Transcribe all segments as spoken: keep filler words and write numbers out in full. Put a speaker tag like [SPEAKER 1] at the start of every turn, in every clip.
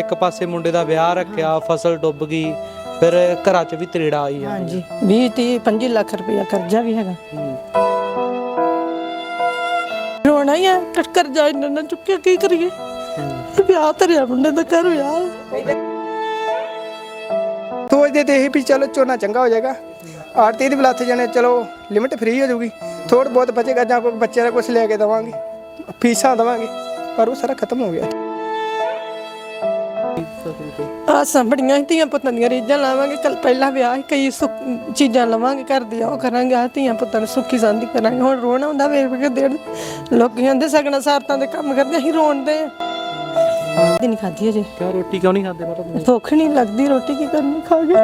[SPEAKER 1] एक पासे मुंडे दा विआह रखिया, फसल डुब गई, फिर घरां च भी तरेड़ा आई
[SPEAKER 2] हाँ जी बीस तीह पंजी लाख रुपया कर्जा भी हैगा। रोना ही है कर्जा इन्ना ना चुक्या की करिए। विआह धरिया मुंडे दा घर विआह
[SPEAKER 3] सोचते तो यही भी चलो झोना चंगा हो जाएगा, आड़ती भी लथ जाने चलो लिमिट फ्री हो जाऊगी, थोड़ा बहुत बचेगा ਜਾਂ कोई बच्चे का कुछ लेके देवांगे, फीसा देवांगे, पर वो सारा खत्म हो गया।
[SPEAKER 2] आसां बड़ियां धीआं पुत्तां ਦੀਆਂ ਰੀਝਾਂ ਲਾਵਾਂਗੇ, ਕੱਲ ਪਹਿਲਾ ਵਿਆਹ ਸੀ, ਕਈ ਚੀਜ਼ਾਂ ਲਵਾਂਗੇ ਘਰ ਦੀਆਂ ਉਹ ਕਰਾਂਗੇ, ਆ ਧੀਆਂ ਪੁੱਤਾਂ ਨੂੰ ਸੁੱਖੀ ਸਾਂਦੀ ਕਰਾਂਗੇ। ਹੁਣ ਰੋਣ ਆਉਂਦਾ ਵੇਖ ਵੇਖ ਦੇਣ ਲੋਕੀ ਕਹਿੰਦੇ ਸਗਣਾ ਸਾਰਤਾਂ ਦੇ ਕੰਮ ਕਰਦੇ, ਅਸੀਂ ਰੋਣਦੇ ਆ। ਨਹੀਂ ਖਾਧੀ ਅਜੇ।
[SPEAKER 1] ਕਿਉਂ ਰੋਟੀ ਕਿਉਂ ਨਹੀਂ ਖਾਂਦੇ ਮਤਲਬ?
[SPEAKER 2] ਭੁੱਖ ਨਹੀਂ ਲੱਗਦੀ, ਰੋਟੀ ਕੀ ਕਰਨੀ ਖਾ ਕੇ।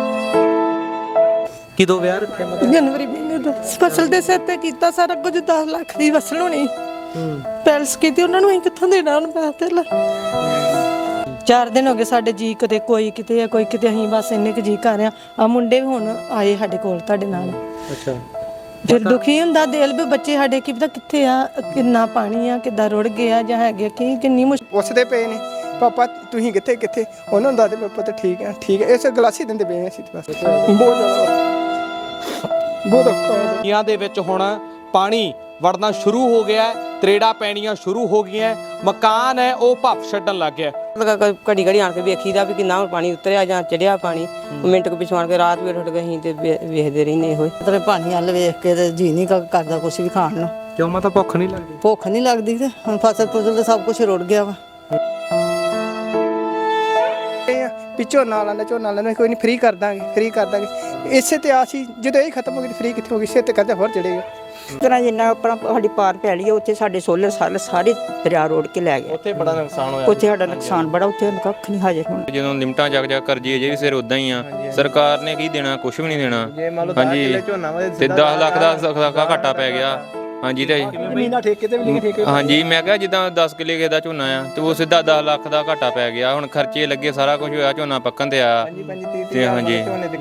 [SPEAKER 1] ਕਿਦੋਂ ਵਿਆਹ ਰੱਖਿਆ ਮਤਲਬ?
[SPEAKER 2] ਜਨਵਰੀ ਮਹੀਨੇ ਦਾ ਫਸਲ ਦੇ ਸਿਰ ਤੇ ਕੀਤਾ ਸਾਰਾ ਕੁਝ, ਦਸ ਲੱਖ ਦੀ ਵਸਲ ਹੋਣੀ ਪੈਲਸ ਕੀਤੀ, ਉਹਨਾਂ ਨੂੰ ਅਸੀਂ ਕਿੱਥੋਂ ਦੇਣਾ ਹੁਣ ਪੈਸੇ? ਚਾਰ ਦਿਨ ਹੋ ਗਏ ਸਾਡੇ ਜੀ ਕਿਤੇ ਕੋਈ ਕਿਤੇ ਆ ਕੋਈ ਕਿਤੇ, ਅਸੀਂ ਬਸ ਇੰਨੇ ਕੁ ਜੀ ਕਰ ਰਹੇ ਆ। ਮੁੰਡੇ ਵੀ ਹੁਣ ਆਏ ਸਾਡੇ ਕੋਲ ਤੁਹਾਡੇ ਨਾਲ।
[SPEAKER 1] ਅੱਛਾ
[SPEAKER 2] ਫਿਰ ਦੁਖੀ ਹੁੰਦਾ ਦਿਲ ਵੀ, ਬੱਚੇ ਸਾਡੇ ਕੀ ਪਤਾ ਕਿੱਥੇ ਆ, ਕਿੰਨਾ ਪਾਣੀ ਆ, ਕਿੱਦਾਂ ਰੁੜ ਗਿਆ ਜਾਂ ਹੈਗੇ ਕੀ, ਕਿੰਨੀ ਮੁਸ਼ਕਿਲ
[SPEAKER 3] ਪੁੱਛਦੇ ਪਏ ਨੇ ਪਾਪਾ ਤੁਸੀਂ ਕਿੱਥੇ ਕਿੱਥੇ, ਉਹਨਾਂ ਨੂੰ ਦੱਸਦੇ ਪਾਪਾ ਤਾਂ ਠੀਕ ਹੈ ਠੀਕ ਹੈ, ਇਸ ਗਲਾਸੀ ਦਿੰਦੇ ਪਏ ਅਸੀਂ ਬਸ। ਬਹੁਤ ਜ਼ਿਆਦਾ ਬਹੁਤ ਔਖਾ।
[SPEAKER 1] ਨੀਆਂ ਦੇ ਵਿੱਚ ਹੁਣ ਪਾਣੀ ਵੜਨਾ ਸ਼ੁਰੂ ਹੋ ਗਿਆ ਹੈ, ਤਰੇੜਾ ਪੈਣੀਆਂ ਸ਼ੁਰੂ ਹੋ ਗਈਆਂ, ਮਕਾਨ ਹੈ ਉਹ ਭੱਫ ਛੱਡਣ ਲੱਗ ਗਿਆ।
[SPEAKER 4] ਘੜੀ ਘੜੀ ਆਣ ਕੇ ਵੇਖੀਦਾ ਵੀ ਕਿੰਨਾ ਪਾਣੀ ਉਤਰਿਆ ਜਾਂ ਚੜਿਆ ਪਾਣੀ, ਮਿੰਟ ਕੁ ਪਿਛੋਂ ਆਣ ਕੇ ਰਾਤ ਵੀ ਉੱਠ ਗਏ ਅਸੀਂ ਤੇ ਵੇਖਦੇ ਰਹਿੰਦੇ ਇਹੋ
[SPEAKER 5] ਤੇਰੇ ਪਾਣੀ ਵੱਲ ਵੇਖ ਕੇ ਤੇ ਜੀ ਨਹੀਂ ਕਰਦਾ ਕੁਛ ਵੀ ਖਾਣ ਨੂੰ।
[SPEAKER 1] ਕਿਉਂ ਮੈਂ ਤਾਂ ਭੁੱਖ ਨਹੀਂ ਲੱਗਦੀ?
[SPEAKER 5] ਭੁੱਖ ਨਹੀਂ ਲੱਗਦੀ ਤੇ ਹੁਣ ਫਸਲ ਫਸਲ ਤੇ ਸਭ ਕੁਝ ਰੁੜ ਗਿਆ ਵਾ।
[SPEAKER 3] ਪਿੱਛੋਂ ਨਾ ਲਾਣਾ ਝੋਨਾ ਲੈਣਾ ਕੋਈ ਨਹੀਂ, ਫ੍ਰੀ ਕਰ ਦਾਂਗੇ ਫ੍ਰੀ ਕਰ ਦਾਂਗੇ, ਇਸੇ ਤੇ ਆਸ ਹੀ ਜਦੋਂ ਇਹ ਖਤਮ ਹੋ ਗਈ ਫ੍ਰੀ ਕਿੱਥੇ ਹੋ ਗਈ, ਇਸੇ ਤੇ ਕਰਜ਼ਾ ਹੋਰ ਚੜੇਗਾ।
[SPEAKER 4] ਤਰ੍ਹਾਂ ਜਿੰਨਾ ਆਪਣਾ ਸਾਡੀ ਪਾਰ ਪੈ ਲਈ ਉੱਥੇ ਸਾਡੇ ਸੋਲਰ ਸਾਲ ਸਾਰੇ ਦਰਿਆ ਰੋੜ ਕੇ ਲੈ ਗਏ,
[SPEAKER 1] ਉੱਥੇ ਬੜਾ ਨੁਕਸਾਨ ਹੋਇਆ,
[SPEAKER 4] ਉੱਥੇ ਸਾਡਾ ਨੁਕਸਾਨ ਬੜਾ, ਉੱਥੇ ਕੱਖ ਨਹੀਂ ਹਾਜ਼ਰ ਹੁਣ।
[SPEAKER 6] ਜਦੋਂ ਲਿਮਟਾਂ ਜਗ ਜਗ ਕਰਜੀ ਅਜੇ ਵੀ ਸਿਰ ਉਦਾਂ ਹੀ ਆ, ਸਰਕਾਰ ਨੇ ਕੀ ਦੇਣਾ, ਕੁਝ ਵੀ ਨਹੀਂ ਦੇਣਾ। ਹਾਂਜੀ ਤੇ ਦਸ ਲੱਖ ਦਾ ਘਾਟਾ ਪੈ ਗਿਆ। ਹਾਂਜੀ ਤੇ
[SPEAKER 3] ਮਹੀਨਾ ਠੇਕੇ ਤੇ ਵੀ ਲਿਖੇ ਠੇਕੇ।
[SPEAKER 6] ਹਾਂਜੀ ਮੈਂ ਕਿਹਾ ਜਿੱਦਾਂ ਦਸ ਕਿੱਲੇ ਕਿਸੇ ਦਾ ਝੋਨਾ ਆ ਤੇ ਉਹ ਸਿੱਧਾ ਦਸ ਲੱਖ ਦਾ ਘਾਟਾ ਪੈ ਗਿਆ। ਹੁਣ ਖਰਚੇ ਲੱਗੇ, ਸਾਰਾ ਕੁਝ ਹੋਇਆ, ਝੋਨਾ ਪੱਕਣ ਤੇ ਆ ਤੇ ਹਾਂਜੀ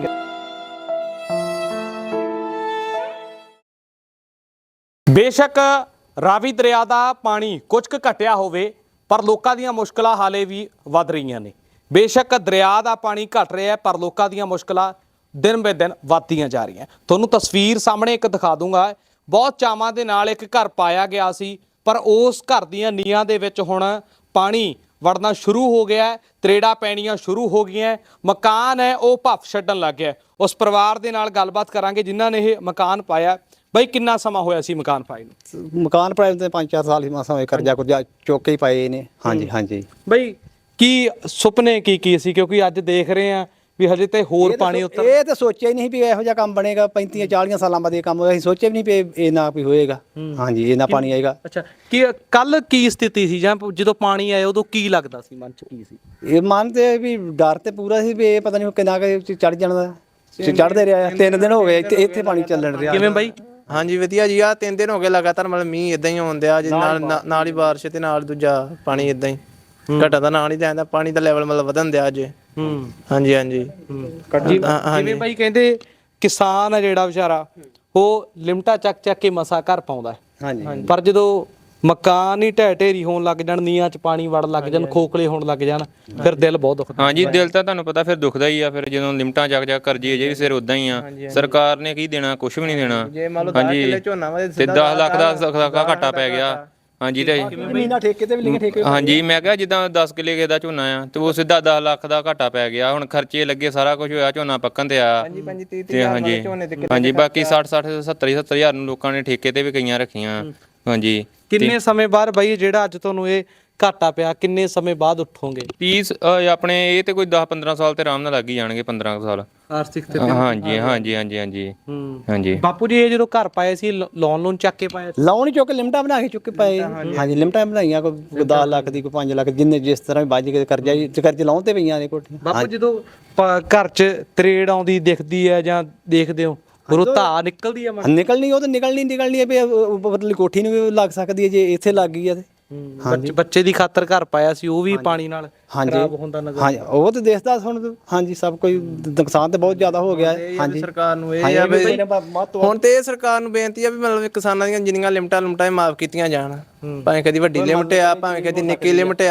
[SPEAKER 1] ਬੇਸ਼ੱਕ ਰਾਵੀ ਦਰਿਆ ਦਾ ਪਾਣੀ ਕੁਝ ਕੁ ਘਟਿਆ ਹੋਵੇ, ਪਰ ਲੋਕਾਂ ਦੀਆਂ ਮੁਸ਼ਕਲਾਂ ਹਾਲੇ ਵੀ ਵੱਧ ਰਹੀਆਂ ਨੇ। ਬੇਸ਼ੱਕ ਦਰਿਆ ਦਾ ਪਾਣੀ ਘਟ ਰਿਹਾ ਹੈ, ਪਰ ਲੋਕਾਂ ਦੀਆਂ ਮੁਸ਼ਕਲਾਂ ਦਿਨ ਬੇ ਦਿਨ ਵੱਧਦੀਆਂ ਜਾ ਰਹੀਆਂ। ਤੁਹਾਨੂੰ ਤਸਵੀਰ ਸਾਹਮਣੇ ਇੱਕ ਦਿਖਾ ਦੂੰਗਾ। ਬਹੁਤ ਚਾਵਾਂ ਦੇ ਨਾਲ ਇੱਕ ਘਰ ਪਾਇਆ ਗਿਆ ਸੀ, ਪਰ ਉਸ ਘਰ ਦੀਆਂ ਨੀਹਾਂ ਦੇ ਵਿੱਚ ਹੁਣ ਪਾਣੀ ਵੜਨਾ ਸ਼ੁਰੂ ਹੋ ਗਿਆ ਹੈ, ਤਰੇੜਾ ਪੈਣੀਆਂ ਸ਼ੁਰੂ ਹੋ ਗਈਆਂ, ਮਕਾਨ ਹੈ ਉਹ ਭੱਫ ਛੱਡਣ ਲੱਗ ਗਿਆ। ਉਸ ਪਰਿਵਾਰ ਦੇ ਨਾਲ ਗੱਲਬਾਤ ਕਰਾਂਗੇ ਜਿਨ੍ਹਾਂ ਨੇ ਇਹ ਮਕਾਨ ਪਾਇਆ। ਬਈ ਕਿੰਨਾ ਸਮਾਂ ਹੋਇਆ ਸੀ ਮਕਾਨ ਪਾਏ ਨੂੰ?
[SPEAKER 7] ਮਕਾਨ ਪਾਏ ਤੇ ਪੰਜ ਚਾਰ ਸਾਲ ਹੀ ਮਾਸਾ ਹੋਏ, ਕਰਜ਼ਾ ਕੁਰਜ਼ਾ ਚੁੱਕ ਕੇ ਹੀ ਪਾਏ ਨੇ। ਹਾਂਜੀ ਹਾਂਜੀ
[SPEAKER 1] ਬਈ ਕੀ ਸੁਪਨੇ ਕੀ ਕੀ ਸੀ, ਕਿਉਂਕਿ ਅੱਜ ਦੇਖ ਰਹੇ ਆ ਵੀ ਹਜੇ ਤੇ ਹੋਰ ਪਾਣੀ ਉੱਤਰ।
[SPEAKER 7] ਇਹ ਤਾਂ ਸੋਚਿਆ ਹੀ ਨਹੀਂ ਵੀ ਇਹੋ ਜਿਹਾ ਕੰਮ ਬਣੇਗਾ, ਪੈਂਤੀ ਚਾਲੀਆਂ ਸਾਲਾਂ ਬਾਅਦ ਇਹ ਕੰਮ ਹੋਇਆ। ਅਸੀਂ ਸੋਚਿਆ ਵੀ ਨਹੀਂ ਵੀ ਇਹ ਨਾ ਵੀ ਹੋਏਗਾ। ਹਾਂਜੀ ਇਹ ਨਾ ਪਾਣੀ ਆਏਗਾ।
[SPEAKER 1] ਅੱਛਾ ਕੀ ਕੱਲ ਕੀ ਸਥਿਤੀ ਸੀ, ਜਾਂ ਜਦੋਂ ਪਾਣੀ ਆਇਆ ਉਦੋਂ ਕੀ ਲੱਗਦਾ ਸੀ, ਮਨ ਚ ਕੀ ਸੀ?
[SPEAKER 7] ਇਹ ਮਨ ਤੇ ਵੀ ਡਰ ਤੇ ਪੂਰਾ ਸੀ ਵੀ ਇਹ ਪਤਾ ਨਹੀਂ ਕਿੰਨਾ ਕੁ ਚੜ ਜਾਣਾ, ਚੜਦੇ ਰਿਹਾ। ਤਿੰਨ ਦਿਨ ਹੋ ਗਏ ਇੱਥੇ ਇੱਥੇ ਪਾਣੀ ਚੱਲਣ ਰਿਹਾ।
[SPEAKER 1] ਕਿਵੇਂ ਬਾਈ?
[SPEAKER 8] ਹਾਂਜੀ ਵਧੀਆ ਜੀ, ਆ ਤਿੰਨ ਦਿਨ ਹੋ ਗਏ ਲਗਾਤਾਰ ਮਤਲਬ ਮੀਂਹ ਇਦਾਂ ਹੀ ਆਉਣ ਦਿਆ ਜੀ, ਨਾਲ ਨਾਲ ਹੀ ਬਾਰਿਸ਼ ਤੇ ਨਾਲ ਦੂਜਾ ਪਾਣੀ ਇਦਾਂ ਹੀ ਘਟਾ ਦਾ ਨਾਲ ਹੀ ਜਾਂਦਾ, ਪਾਣੀ ਦਾ ਲੈਵਲ ਮਤਲਬ ਵਧਣ ਦਿਆ ਅੱਜ।
[SPEAKER 1] ਹੂੰ
[SPEAKER 8] ਹਾਂਜੀ ਹਾਂਜੀ
[SPEAKER 1] ਜਿਵੇਂ ਬਾਈ ਕਹਿੰਦੇ ਕਿਸਾਨ ਆ ਜਿਹੜਾ ਵਿਚਾਰਾ ਉਹ ਲਿਮਟਾ ਚੱਕ ਚੱਕ ਕੇ ਮਸਾ ਘਰ ਪਾਉਂਦਾ।
[SPEAKER 7] ਹਾਂਜੀ
[SPEAKER 1] ਪਰ ਜਦੋਂ ਮਕਾਨ ਹੀ ਢਹਿ ਢੇਰੀ ਹੋਣ ਲੱਗ ਜਾਣ, ਨੀਆਂ ਚ ਪਾਣੀ ਵੜ ਲੱਗ ਜਾਣ, ਖੋਖਲੇ ਹੋਣ ਲੱਗ ਜਾਣ, ਫਿਰ ਦਿਲ ਬਹੁਤ ਦੁਖਦਾ।
[SPEAKER 6] ਹਾਂਜੀ ਦਿਲ ਤਾਂ ਤੁਹਾਨੂੰ ਪਤਾ ਫਿਰ ਦੁਖਦਾ ਹੀ ਆ। ਫਿਰ ਜਦੋਂ ਲਿਮਟਾਂ ਜਗ ਜਗ ਕਰਜੀ ਅਜੇ ਵੀ ਸਿਰ ਉਦਾਂ ਹੀ ਆ, ਸਰਕਾਰ ਨੇ ਕੀ ਦੇਣਾ, ਕੁਝ ਵੀ ਨਹੀਂ ਦੇਣਾ। ਹਾਂਜੀ ਤੇ ਦਸ ਲੱਖ ਦਾ ਘਾਟਾ ਪੈ ਗਿਆ। ਹਾਂਜੀ ਤੇ
[SPEAKER 3] ਮਹੀਨਾ ਠੇਕੇ ਤੇ ਵੀ ਲਿਖੇ ਠੇਕੇ।
[SPEAKER 6] ਹਾਂਜੀ ਮੈਂ ਕਿਹਾ ਜਿੱਦਾਂ ਦਸ ਕਿੱਲੇ ਕਿਸੇ ਦਾ ਝੋਨਾ ਆ ਤੇ ਉਹ ਸਿੱਧਾ ਦਸ ਲੱਖ ਦਾ ਘਾਟਾ ਪੈ ਗਿਆ। ਹੁਣ ਖਰਚੇ ਲੱਗੇ, ਸਾਰਾ ਕੁਝ ਹੋਇਆ, ਝੋਨਾ ਪੱਕਣ ਤੇ ਆ ਤੇ ਹਾਂਜੀ ਹਾਂਜੀ ਬਾਕੀ ਸੱਠ ਸੱਠ ਸੱਤਰ ਸੱਤਰ ਹਜ਼ਾਰ ਨੂੰ ਲੋਕਾਂ ਨੇ ਠੇਕੇ ਤੇ ਵੀ ਕਈਆਂ ਰੱਖੀਆਂ। ਹਾਂਜੀ
[SPEAKER 1] ਕਿੰਨੇ ਸਮੇਂ ਬਾਅਦ ਬਾਈ ਜਿਹੜਾ ਅੱਜ ਤੁਹਾਨੂੰ ਇਹ ਘਾਟਾ ਪਿਆ, ਕਿੰਨੇ ਸਮੇਂ ਬਾਅਦ ਉੱਠੋਗੇ?
[SPEAKER 6] ਤੀਸ ਆਪਣੇ ਇਹ ਤੇ ਕੋਈ ਦਸ ਪੰਦਰਾਂ ਸਾਲ ਤੇ ਆਰਾਮ ਨਾਲ ਲੱਗ ਹੀ ਜਾਣਗੇ, ਪੰਦਰਾਂ ਸਾਲ
[SPEAKER 1] ਆਰਥਿਕ ਤੇ।
[SPEAKER 6] ਹਾਂਜੀ ਹਾਂਜੀ ਹਾਂਜੀ ਹਾਂਜੀ ਹਾਂਜੀ
[SPEAKER 1] ਬਾਪੂ ਜੀ ਇਹ ਜਦੋਂ ਘਰ ਪਾਏ ਸੀ ਲੋਨ ਲੋਨ ਚੱਕ ਕੇ ਪਾਏ?
[SPEAKER 7] ਲਾਉਣ ਚੁੱਕ ਕੇ ਲਿਮਟਾਂ ਬਣਾ ਕੇ ਚੁੱਕ ਕੇ ਪਾਏ। ਹਾਂਜੀ ਲਿਮਟਾਂ ਬਣਾਈਆਂ, ਕੋਈ ਦਸ ਲੱਖ ਦੀ, ਕੋਈ ਪੰਜ ਲੱਖ, ਜਿੰਨੇ ਜਿਸ ਤਰ੍ਹਾਂ ਵੱਜ ਕੇ ਕਰਜ਼ਾ ਕਰਜ਼ੇ ਲਾਉਣ ਤੇ ਪਈਆਂ ਨੇ ਕੋਠੀਆਂ।
[SPEAKER 1] ਬਾਪੂ ਜਦੋਂ ਘਰ 'ਚ ਤਰੇੜ ਆਉਂਦੀ ਦਿਖਦੀ ਹੈ ਜਾਂ ਦੇਖਦੇ ਹੋ, ਉਰੋਂ ਧਾ ਨਿਕਲਦੀ ਆ?
[SPEAKER 7] ਨਿਕਲਣੀ ਉਹ ਤਾਂ ਨਿਕਲਣੀ ਨਿਕਲਣੀ ਹੈ ਵੀ ਉਪਰਲੀ ਕੋਠੀ ਨੂੰ ਵੀ ਲੱਗ ਸਕਦੀ ਹੈ ਜੇ ਇੱਥੇ ਲੱਗ ਗਈ ਹੈ ਤੇ।
[SPEAKER 1] ਹਾਂਜੀ ਬੱਚੇ ਦੀ ਖਾਤਰ ਘਰ ਪਾਇਆ ਸੀ, ਉਹ ਵੀ ਪਾਣੀ ਨਾਲ ਖਰਾਬ ਹੁੰਦਾ ਨਜ਼ਰ।
[SPEAKER 7] ਹਾਂਜੀ ਉਹ ਤੇ ਦੇਖਦਾ ਹੁਣ। ਹਾਂਜੀ ਸਭ ਕੋਈ ਨੁਕਸਾਨ ਤੇ ਬਹੁਤ ਜ਼ਿਆਦਾ ਹੋ ਗਿਆ ਹੈ। ਹਾਂਜੀ
[SPEAKER 8] ਸਰਕਾਰ ਨੂੰ ਇਹ ਆ ਵੀ ਹੁਣ ਤੇ ਇਹ ਸਰਕਾਰ ਨੂੰ ਬੇਨਤੀ ਆ ਵੀ ਮਤਲਬ ਕਿਸਾਨਾਂ ਦੀਆਂ ਜਿੰਨੀਆਂ ਲਿਮਟਾਂ ਲਿਮਟਾਂ ਮਾਫ ਕੀਤੀਆਂ ਜਾਣ, ਭਾਵੇਂ ਕਦੀ ਵੱਡੀ ਲਿਮਟ ਆ ਭਾਵੇਂ ਕਦੀ ਨਿੱਕੀ ਲਿਮਟ ਆ,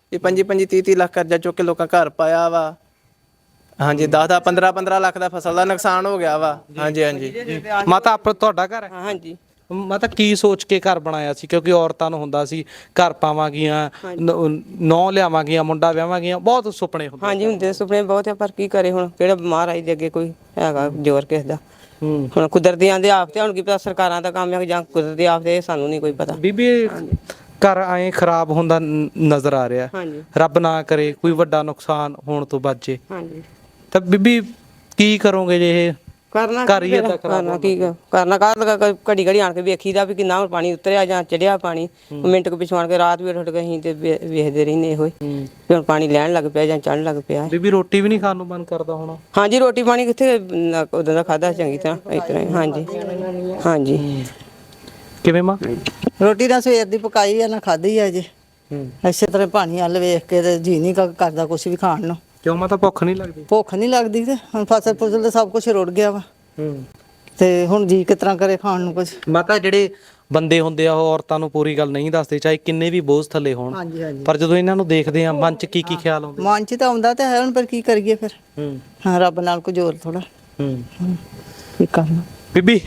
[SPEAKER 8] ਇਹ ਪੰਜੀ ਪੰਜੀ ਤੀਹ ਤੀਹ ਲੱਖ ਕਰਜ਼ਾ ਚੁੱਕ ਕੇ ਲੋਕਾਂ ਘਰ ਪਾਇਆ ਵਾ। ਹਾਂਜੀ ਦਸ ਦਸ ਪੰਦਰਾਂ ਪੰਦਰਾਂ ਲੱਖ ਦਾ ਫਸਲ ਦਾ ਨੁਕਸਾਨ ਹੋ ਗਿਆ ਵਾ। ਹਾਂਜੀ ਹਾਂਜੀ
[SPEAKER 1] ਮਾਤਾ ਆਪ ਤੁਹਾਡਾ ਘਰ ਹੈ?
[SPEAKER 4] ਹਾਂ ਹਾਂਜੀ
[SPEAKER 1] ਮਾਤਾ ਕੀ ਸੋਚ ਕੇ ਘਰ ਬਣਾਇਆ ਸੀ? ਕਿਉਂਕਿ ਔਰਤਾਂ ਨੂੰ ਹੁੰਦਾ ਸੀ ਘਰ ਪਾਵਾਂਗੀਆਂ, ਨੌ ਲਿਆਵਾਂਗੀਆਂ, ਮੁੰਡਾ ਵਿਆਹਾਂਗੀਆਂ, ਬਹੁਤ ਸੁਪਨੇ ਹੁੰਦੇ।
[SPEAKER 4] ਹਾਂਜੀ ਹੁੰਦੇ ਸੁਪਨੇ ਬਹੁਤ ਆ, ਪਰ ਕੀ ਕਰੇ ਹੁਣ, ਕਿਹੜਾ ਮਹਾਰਾਜ ਦੇ ਅੱਗੇ ਕੋਈ ਹੈਗਾ ਜ਼ੋਰ ਕਿਸੇ ਦਾ। ਹੁਣ ਕੁਦਰਤੀ ਆਂਦੇ ਆਫਤੇ, ਹੁਣ ਕੀ ਪਤਾ ਸਰਕਾਰਾਂ ਦਾ ਕੰਮ ਹੈ ਜਾਂ ਕੁਦਰਤੀ ਆਫਤੇ, ਸਾਨੂੰ ਨਹੀਂ ਕੋਈ ਪਤਾ।
[SPEAKER 1] ਬੀਬੀ ਘਰ ਐਂ ਖਰਾਬ ਹੁੰਦਾ ਨ- ਨਜ਼ਰ ਆ ਰਿਹਾ।
[SPEAKER 4] ਹਾਂਜੀ
[SPEAKER 1] ਰੱਬ ਨਾ ਕਰੇ ਕੋਈ ਵੱਡਾ ਨੁਕਸਾਨ ਹੋਣ ਤੋਂ ਬਚੇ
[SPEAKER 4] ਹਾਂਜੀ
[SPEAKER 1] ਤਾਂ ਬੀਬੀ ਕੀ ਕਰੋਗੇ ਜੇ ਇਹ
[SPEAKER 4] ਕਰਨਾ
[SPEAKER 1] ਘਰ ਹੀ
[SPEAKER 4] ਕੀ
[SPEAKER 1] ਏਦਾਂ
[SPEAKER 4] ਫਿਰ,
[SPEAKER 1] ਖਰਾਬ
[SPEAKER 4] ਕਰਨਾ ਕੀ ਕ- ਕਰਨਾ ਕਰ ਘੜੀ ਘੜੀ ਆਣ ਕੇ ਵੇਖੀਦਾ ਵੀ ਕਿੰਨਾ ਹੁਣ ਪਾਣੀ ਉਤਰਿਆ ਜਾਂ ਚੜਿਆ ਪਾਣੀ। ਮਿੰਟ ਕੁ ਪਿਛੋਂ ਆਣ ਕੇ ਰਾਤ ਵੀ ਉੱਠ ਕੇ ਅਸੀਂ ਤੇ ਵੇ- ਵੇਖਦੇ ਰਹਿੰਦੇ ਇਹੋ ਹੀ ਵੀ ਹੁਣ ਪਾਣੀ ਲੈਣ ਲੱਗ ਪਿਆ ਜਾਂ ਚੜਨ ਲੱਗ ਪਿਆ।
[SPEAKER 1] ਬੀਬੀ ਰੋਟੀ ਵੀ ਨਹੀਂ ਖਾਣ ਨੂੰ ਮਨ ਕਰਦਾ ਹੋਣਾ?
[SPEAKER 4] ਹਾਂਜੀ ਰੋਟੀ ਪਾਣੀ ਕਿੱਥੇ ਨਾ- ਉਦੋਂ ਦਾ ਖਾਦਾ ਚੰਗੀ ਤਰ੍ਹਾਂ ਇਸ ਤਰ੍ਹਾਂ ਹੀ। ਹਾਂਜੀ ਹਾਂਜੀ
[SPEAKER 1] ਕਿਵੇਂ ਮਾਂ?
[SPEAKER 5] ਰੋਟੀ ਤਾਂ ਸਵੇਰ ਦੀ ਪਕਾਈ ਆ ਨਾ ਖਾਧੀ ਆ ਜੇ। ਇਸੇ ਤਰ੍ਹਾਂ ਪਾਣੀ ਵੱਲ ਵੇਖ ਕੇ ਤੇ ਜੀ ਨਹੀਂ ਕ- ਕਰਦਾ ਕੁਝ ਵੀ ਖਾਣ ਨੂੰ।
[SPEAKER 1] ਕਿਉਂ ਮਾਤਾ ਭੁੱਖ ਨਹੀਂ ਲੱਗਦੀ?
[SPEAKER 5] ਭੁੱਖ ਨਹੀਂ ਲੱਗਦੀ ਤੇ ਹੁਣ ਫਸਲ ਫੁਸਲ ਤੇ ਸਭ ਕੁਝ ਰੁੜ ਗਿਆ ਵਾ ਤੇ ਹੁਣ ਜੀ ਕਿਸ ਤਰ੍ਹਾਂ ਕਰੇ ਖਾਣ ਨੂੰ ਕੁਝ।
[SPEAKER 1] ਮਾਤਾ ਜਿਹੜੇ ਬੰਦੇ ਹੁੰਦੇ ਆ ਉਹ ਔਰਤਾਂ ਨੂੰ ਪੂਰੀ ਗੱਲ ਨਹੀਂ ਦੱਸਦੇ, ਚਾਹੇ ਕਿੰਨੇ ਵੀ ਬੋਝ ਥੱਲੇ ਹੋਣ।
[SPEAKER 5] ਹਾਂਜੀ ਹਾਂਜੀ
[SPEAKER 1] ਪਰ ਜਦੋਂ ਇਹਨਾਂ ਨੂੰ ਦੇਖਦੇ ਆ ਮਨ 'ਚ ਕੀ ਕੀ ਖਿਆਲ ਆਉਂਦੇ?
[SPEAKER 5] ਮਨ ਚ ਤਾਂ ਆਉਂਦਾ ਤੇ ਹੈ ਹੁਣ, ਪਰ ਕੀ ਕਰੀਏ ਫਿਰ।
[SPEAKER 1] ਹੂੰ
[SPEAKER 5] ਹਾਂ ਰੱਬ ਨਾਲ ਕੁਝ ਹੋਰ ਥੋੜਾ
[SPEAKER 1] ਹੂੰ
[SPEAKER 5] ਕੀ ਕਰਨਾ।
[SPEAKER 1] ਬੀਬੀ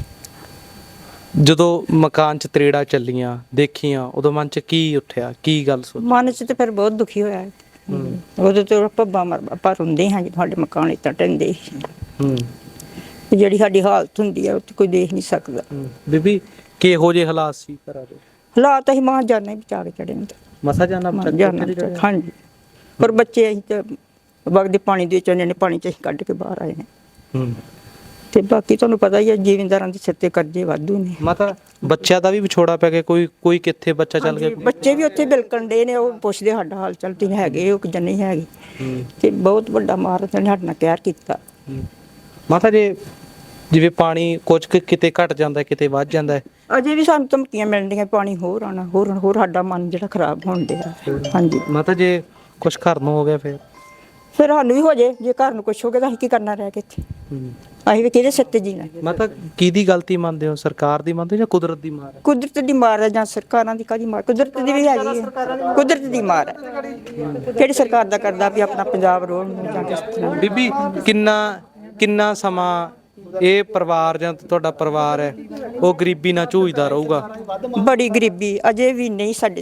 [SPEAKER 1] ਜਦੋਂ ਮਕਾਨ 'ਚ ਤਰੇੜਾ ਚੱਲੀਆਂ ਦੇਖੀਆਂ ਉਦੋਂ ਮਨ 'ਚ ਕੀ ਉੱਠਿਆ, ਕੀ ਗੱਲ ਸੋਚੀ?
[SPEAKER 9] ਮਨ ਚ ਤੇ ਫਿਰ ਬਹੁਤ ਦੁਖੀ ਹੋਇਆ ਹੈ। ਉਦੋਂ ਤੇ ਪੱਬਾ ਮਰ ਆਪਾਂ ਰੋਂਦੇ ਹਾਂ ਜੀ, ਸਾਡੇ ਮਕਾਨ ਇਤਾਂ ਟੰਦੇ
[SPEAKER 1] ਹੂੰ
[SPEAKER 9] ਜਿਹੜੀ ਸਾਡੀ ਹਾਲਤ ਹੁੰਦੀ ਹੈ ਉਹ ਤੇ ਕੋਈ ਦੇਖ ਨਹੀਂ ਸਕਦਾ।
[SPEAKER 1] ਬੀਬੀ ਕਿਹੋ ਜਿਹੇ ਹਾਲਾਤ ਸੀ ਘਰਾਂ ਦੇ?
[SPEAKER 9] ਹਾਲਾਤ ਅਸੀਂ ਮਾਂ ਜਾਨੇ ਬਚਾ ਕੇ ਚੜੇ ਨੇ
[SPEAKER 1] ਮਸਾ ਜਾਣਾ
[SPEAKER 9] ਜਾਨਾ ਹਾਂਜੀ। ਪਰ ਬੱਚੇ ਅਸੀਂ ਤੇ ਵਗਦੇ ਪਾਣੀ ਦੇ ਵਿੱਚ ਉਹਨਾਂ ਨੇ ਪਾਣੀ ਚ ਅਸੀਂ ਕੱਢ ਕੇ ਬਾਹਰ ਆਏ ਨੇ।
[SPEAKER 1] ਹੂੰ
[SPEAKER 9] ਤੇ ਬਾਕੀ ਤੁਹਾਨੂੰ ਪਤਾ ਹੀ ਹੈ ਜ਼ਿਮੀਂਦਾਰਾਂ ਦੇ ਸਿਰ ਤੇ ਕਰਜ਼ੇ ਵਾਧੂ ਨੇ।
[SPEAKER 1] ਮਾਤਾ ਬੱਚਿਆਂ ਦਾ ਵੀ ਵਿਛੋੜਾ ਪੈ ਗਿਆ, ਕੋਈ ਕੋਈ ਕਿੱਥੇ ਬੱਚਾ ਚੱਲ ਗਿਆ?
[SPEAKER 9] ਬੱਚੇ ਵੀ ਉੱਥੇ ਬਿਲਕਣ ਦੇ ਨੇ, ਉਹ ਪੁੱਛਦੇ ਸਾਡਾ ਹਾਲ ਚਾਲ ਤੇ ਹੈਗੇ ਉਹ ਕਿ ਨਹੀਂ ਹੈਗੇ। ਤੇ ਬਹੁਤ ਵੱਡਾ ਮਾਰ ਨੇ ਸਾਡੇ ਨਾਲ ਕਹਿਰ ਕੀਤਾ।
[SPEAKER 1] ਮਾਤਾ ਜੇ ਜਿਵੇਂ ਪਾਣੀ ਕੁਝ ਕੁ ਕਿਤੇ ਘਟ ਜਾਂਦਾ ਕਿਤੇ ਵੱਧ ਜਾਂਦਾ ਹੈ,
[SPEAKER 9] ਅਜੇ ਵੀ ਸਾਨੂੰ ਧਮਕੀਆਂ ਮਿਲਦੀਆਂ ਪਾਣੀ ਹੋਰ ਆਉਣਾ ਹੋਰ ਆਉਣਾ, ਹੋਰ ਸਾਡਾ ਮਨ ਜਿਹੜਾ ਖਰਾਬ ਹੋਣ ਡਿਆ। ਹਾਂਜੀ
[SPEAKER 1] ਮਾਤਾ ਜੇ ਕੁਝ ਘਰ ਨੂੰ ਹੋ ਗਿਆ ਫਿਰ?
[SPEAKER 9] ਫਿਰ ਸਾਨੂੰ ਵੀ ਹੋ ਜੇ, ਜੇ ਘਰ ਨੂੰ ਕੁਛ ਹੋ ਗਿਆ ਤਾਂ ਅਸੀਂ ਕੀ ਕਰਨਾ ਰਹਿ ਕੇ ਇੱਥੇ? ਅਸੀਂ ਵੀ ਕਿਹਦੇ ਸਿਰ ਤੇ ਜੀਣਾ?
[SPEAKER 1] ਮਾਤਾ ਕਿਹਦੀ ਗਲਤੀ ਮੰਨਦੇ ਹੋ, ਸਰਕਾਰ ਦੀ ਮੰਨਦੇ ਹੋ ਜਾਂ ਕੁਦਰਤ ਦੀ ਮਾਰ ਹੈ?
[SPEAKER 9] ਕੁਦਰਤ ਦੀ ਮਾਰ ਹੈ ਜਾਂ ਸਰਕਾਰਾਂ ਦੀ? ਕਾਹਦੀ ਮਾਰ? ਕੁਦਰਤ ਦੀ ਵੀ ਹੈਗੀ ਹੈ, ਕੁਦਰਤ ਦੀ ਮਾਰ ਹੈ। ਕਿਹੜੀ ਸਰਕਾਰ ਦਾ ਕਰਦਾ ਵੀ ਆਪਣਾ ਪੰਜਾਬ ਰੋਣ ਨੂੰ ਜਾਂ ਕਿਸ ਤਰ੍ਹਾਂ?
[SPEAKER 1] ਬੀਬੀ ਕਿੰਨਾ ਕਿੰਨਾ ਸਮਾਂ ਇਹ ਪਰਿਵਾਰ ਜਾਂ ਤੁਹਾਡਾ ਪਰਿਵਾਰ ਹੈ ਉਹ ਗਰੀਬੀ ਨਾਲ ਝੂਝਦਾ ਰਹੂਗਾ?
[SPEAKER 9] ਬੜੀ ਗਰੀਬੀ ਅਜੇ ਵੀ ਨਹੀਂ ਸਾਡੇ,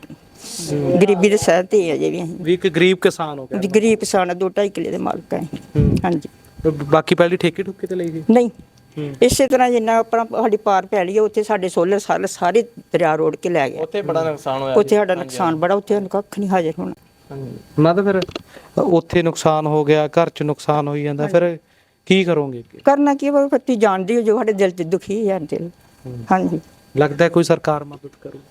[SPEAKER 9] ਮਤਲਬ ਗਰੀਬੀ ਦੇ ਸਹਿ ਤੇ ਅਜੇ ਵੀ ਅਸੀਂ
[SPEAKER 1] ਵੀ ਇੱਕ ਗਰੀਬ ਕਿਸਾਨ ਹੋ ਗਿਆ।
[SPEAKER 9] ਗਰੀਬ ਕਿਸਾਨ ਆ, ਦੋ ਢਾਈ ਕਿੱਲੇ ਦੇ ਮਾਲਕ ਆ ਅਸੀਂ। ਹਾਂਜੀ
[SPEAKER 1] ਤੇ ਬਾਕੀ ਪਹਿਲੀ ਠੇਕੇ ਠੁਕੇ ਤੇ ਲਈ ਸੀ?
[SPEAKER 9] ਨਹੀਂ ਇਸੇ ਤਰ੍ਹਾਂ ਜਿੰਨਾ ਆਪਣਾ ਸਾਡੀ ਪਾਰ ਪੈ ਲਈ ਉੱਥੇ ਸਾਡੇ ਸੋਲਰ ਸਾਰੇ ਸਾਰੇ ਦਰਿਆ ਰੋੜ ਕੇ ਲੈ ਗਏ।
[SPEAKER 8] ਉੱਥੇ ਬੜਾ ਨੁਕਸਾਨ ਹੋਇਆ।
[SPEAKER 9] ਉੱਥੇ ਸਾਡਾ ਨੁਕਸਾਨ ਬੜਾ, ਉੱਥੇ ਸਾਨੂੰ ਕੱਖ ਨਹੀਂ ਹਾਜ਼ਰ ਹੋਣਾ।
[SPEAKER 1] ਮੈਂ ਤਾਂ ਫਿਰ ਉੱਥੇ ਨੁਕਸਾਨ ਹੋ ਗਿਆ, ਘਰ 'ਚ ਨੁਕਸਾਨ ਹੋਈ ਜਾਂਦਾ, ਫਿਰ ਕੀ ਕਰੋਗੇ?
[SPEAKER 9] ਕਰਨਾ ਕੀ ਹੈ, ਫੱਤੀ ਜਾਣਦੀ ਹੋ ਜੋ ਸਾਡੇ ਦਿਲ 'ਚ ਦੁਖੀ ਹੈ ਦਿਲ। ਹਾਂਜੀ
[SPEAKER 1] ਲੱਗਦਾ ਕੋਈ ਸਰਕਾਰ ਮਦਦ ਕਰੂ?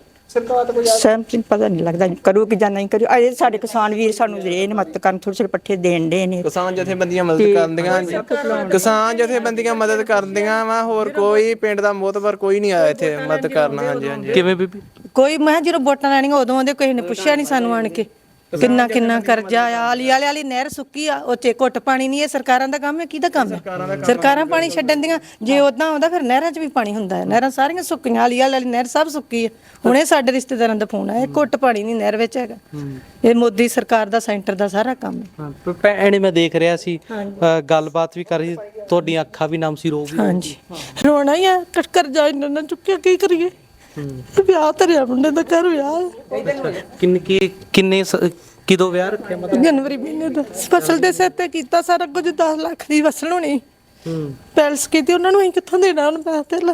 [SPEAKER 9] ਸਹਿਮਤੀ ਪਤਾ ਨਹੀਂ ਲੱਗਦਾ ਕਰੂ ਕਿ ਜਾਂ ਨਹੀਂ ਕਰੂ। ਅਜੇ ਸਾਡੇ ਕਿਸਾਨ ਵੀਰ ਸਾਨੂੰ ਦੇ ਨੇ ਮਦਦ ਕਰਨ, ਥੋੜੇ ਥੋੜੇ ਪੱਠੇ ਦੇਣ ਦੇ ਨੇ।
[SPEAKER 8] ਕਿਸਾਨ ਜਥੇਬੰਦੀਆਂ ਮਦਦ ਕਰਦੀਆਂ, ਕਿਸਾਨ ਜਥੇਬੰਦੀਆਂ ਮਦਦ ਕਰਦੀਆਂ ਵਾ, ਹੋਰ ਕੋਈ ਪਿੰਡ ਦਾ ਮੋਤਬਰ ਕੋਈ ਨਹੀਂ ਆਇਆ ਇੱਥੇ ਮਦਦ ਕਰਨ। ਹਾਂਜੀ ਹਾਂਜੀ
[SPEAKER 1] ਕਿਵੇਂ ਬੀਬੀ?
[SPEAKER 2] ਕੋਈ ਮੈਂ ਜਦੋਂ ਵੋਟਾਂ ਲੈਣੀਆਂ ਉਦੋਂ ਆਉਂਦੇ, ਕਿਸੇ ਨੇ ਪੁੱਛਿਆ ਨਹੀਂ ਸਾਨੂੰ ਆਣ ਕੇ ਕਿੰਨਾ ਕਿੰਨਾ ਕਰਜ਼ਾ ਆ। ਆਲੀ ਵਾਲੇ ਵਾਲੀ ਨਹਿਰ ਸੁੱਕੀ ਆ, ਉੱਥੇ ਘੁੱਟ ਪਾਣੀ ਨਹੀਂ। ਇਹ ਸਰਕਾਰਾਂ ਦਾ ਕੰਮ ਹੈ, ਕਿਹਦਾ ਕੰਮ ਹੈ? ਸਰਕਾਰਾਂ ਪਾਣੀ ਛੱਡਣ ਦੀਆਂ। ਜੇ ਉਦਾਂ ਆਉਂਦਾ ਫਿਰ ਨਹਿਰਾਂ 'ਚ ਵੀ ਪਾਣੀ ਹੁੰਦਾ ਹੈ। ਨਹਿਰਾਂ ਸਾਰੀਆਂ ਸੁੱਕੀਆਂ, ਆਲੀ ਵਾਲੇ ਵਾਲੀ ਨਹਿਰ ਸਭ ਸੁੱਕੀ ਹੈ। ਹੁਣੇ ਸਾਡੇ ਰਿਸ਼ਤੇਦਾਰਾਂ ਦਾ ਫੋਨ ਆਇਆ, ਘੁੱਟ ਪਾਣੀ ਨਹੀਂ ਨਹਿਰ ਵਿੱਚ ਹੈਗਾ। ਇਹ ਮੋਦੀ ਸਰਕਾਰ ਦਾ, ਸੈਂਟਰ ਦਾ ਸਾਰਾ ਕੰਮ ਹੈ।
[SPEAKER 1] ਹਾਂ ਭੈਣੇ ਮੈਂ ਦੇਖ ਰਿਹਾ ਸੀ ਅ, ਗੱਲਬਾਤ ਵੀ ਕਰ ਰਹੀ, ਤੁਹਾਡੀਆਂ ਅੱਖਾਂ ਵੀ ਨਮ ਸੀ, ਰੋ ਵੀ।
[SPEAKER 2] ਹਾਂਜੀ ਰੋਣਾ ਹੀ ਆ, ਕਰਜ਼ਾ ਇੰਨਾ ਨਾ ਚੁੱਕਿਆ, ਕੀ ਕਰੀਏ? ਵਿਆਹ ਧਰਿਆ ਮੁੰਡੇ ਦਾ, ਘਰ ਵਿਆਹ।
[SPEAKER 1] ਕਿੰਨੇ ਕੀ ਕਿੰਨੇ ਸ- ਕਿਦੋਂ ਵਿਆਹ ਰੱਖਿਆ? ਮਤਲਬ
[SPEAKER 2] ਜਨਵਰੀ ਮਹੀਨੇ ਦਾ ਫਸਲ ਦੇ ਸਿਰ ਤੇ ਕੀਤਾ ਸਾਰਾ ਕੁਝ। ਦਸ ਲੱਖ ਦੀ ਫਸਲ ਹੋਣੀ, ਪੈਲਸ ਕੀਤੀ, ਉਹਨਾਂ ਨੂੰ ਅਸੀਂ ਕਿੱਥੋਂ ਦੇਣਾ ਹੁਣ ਪੈਸਾ ਧੇਲਾ?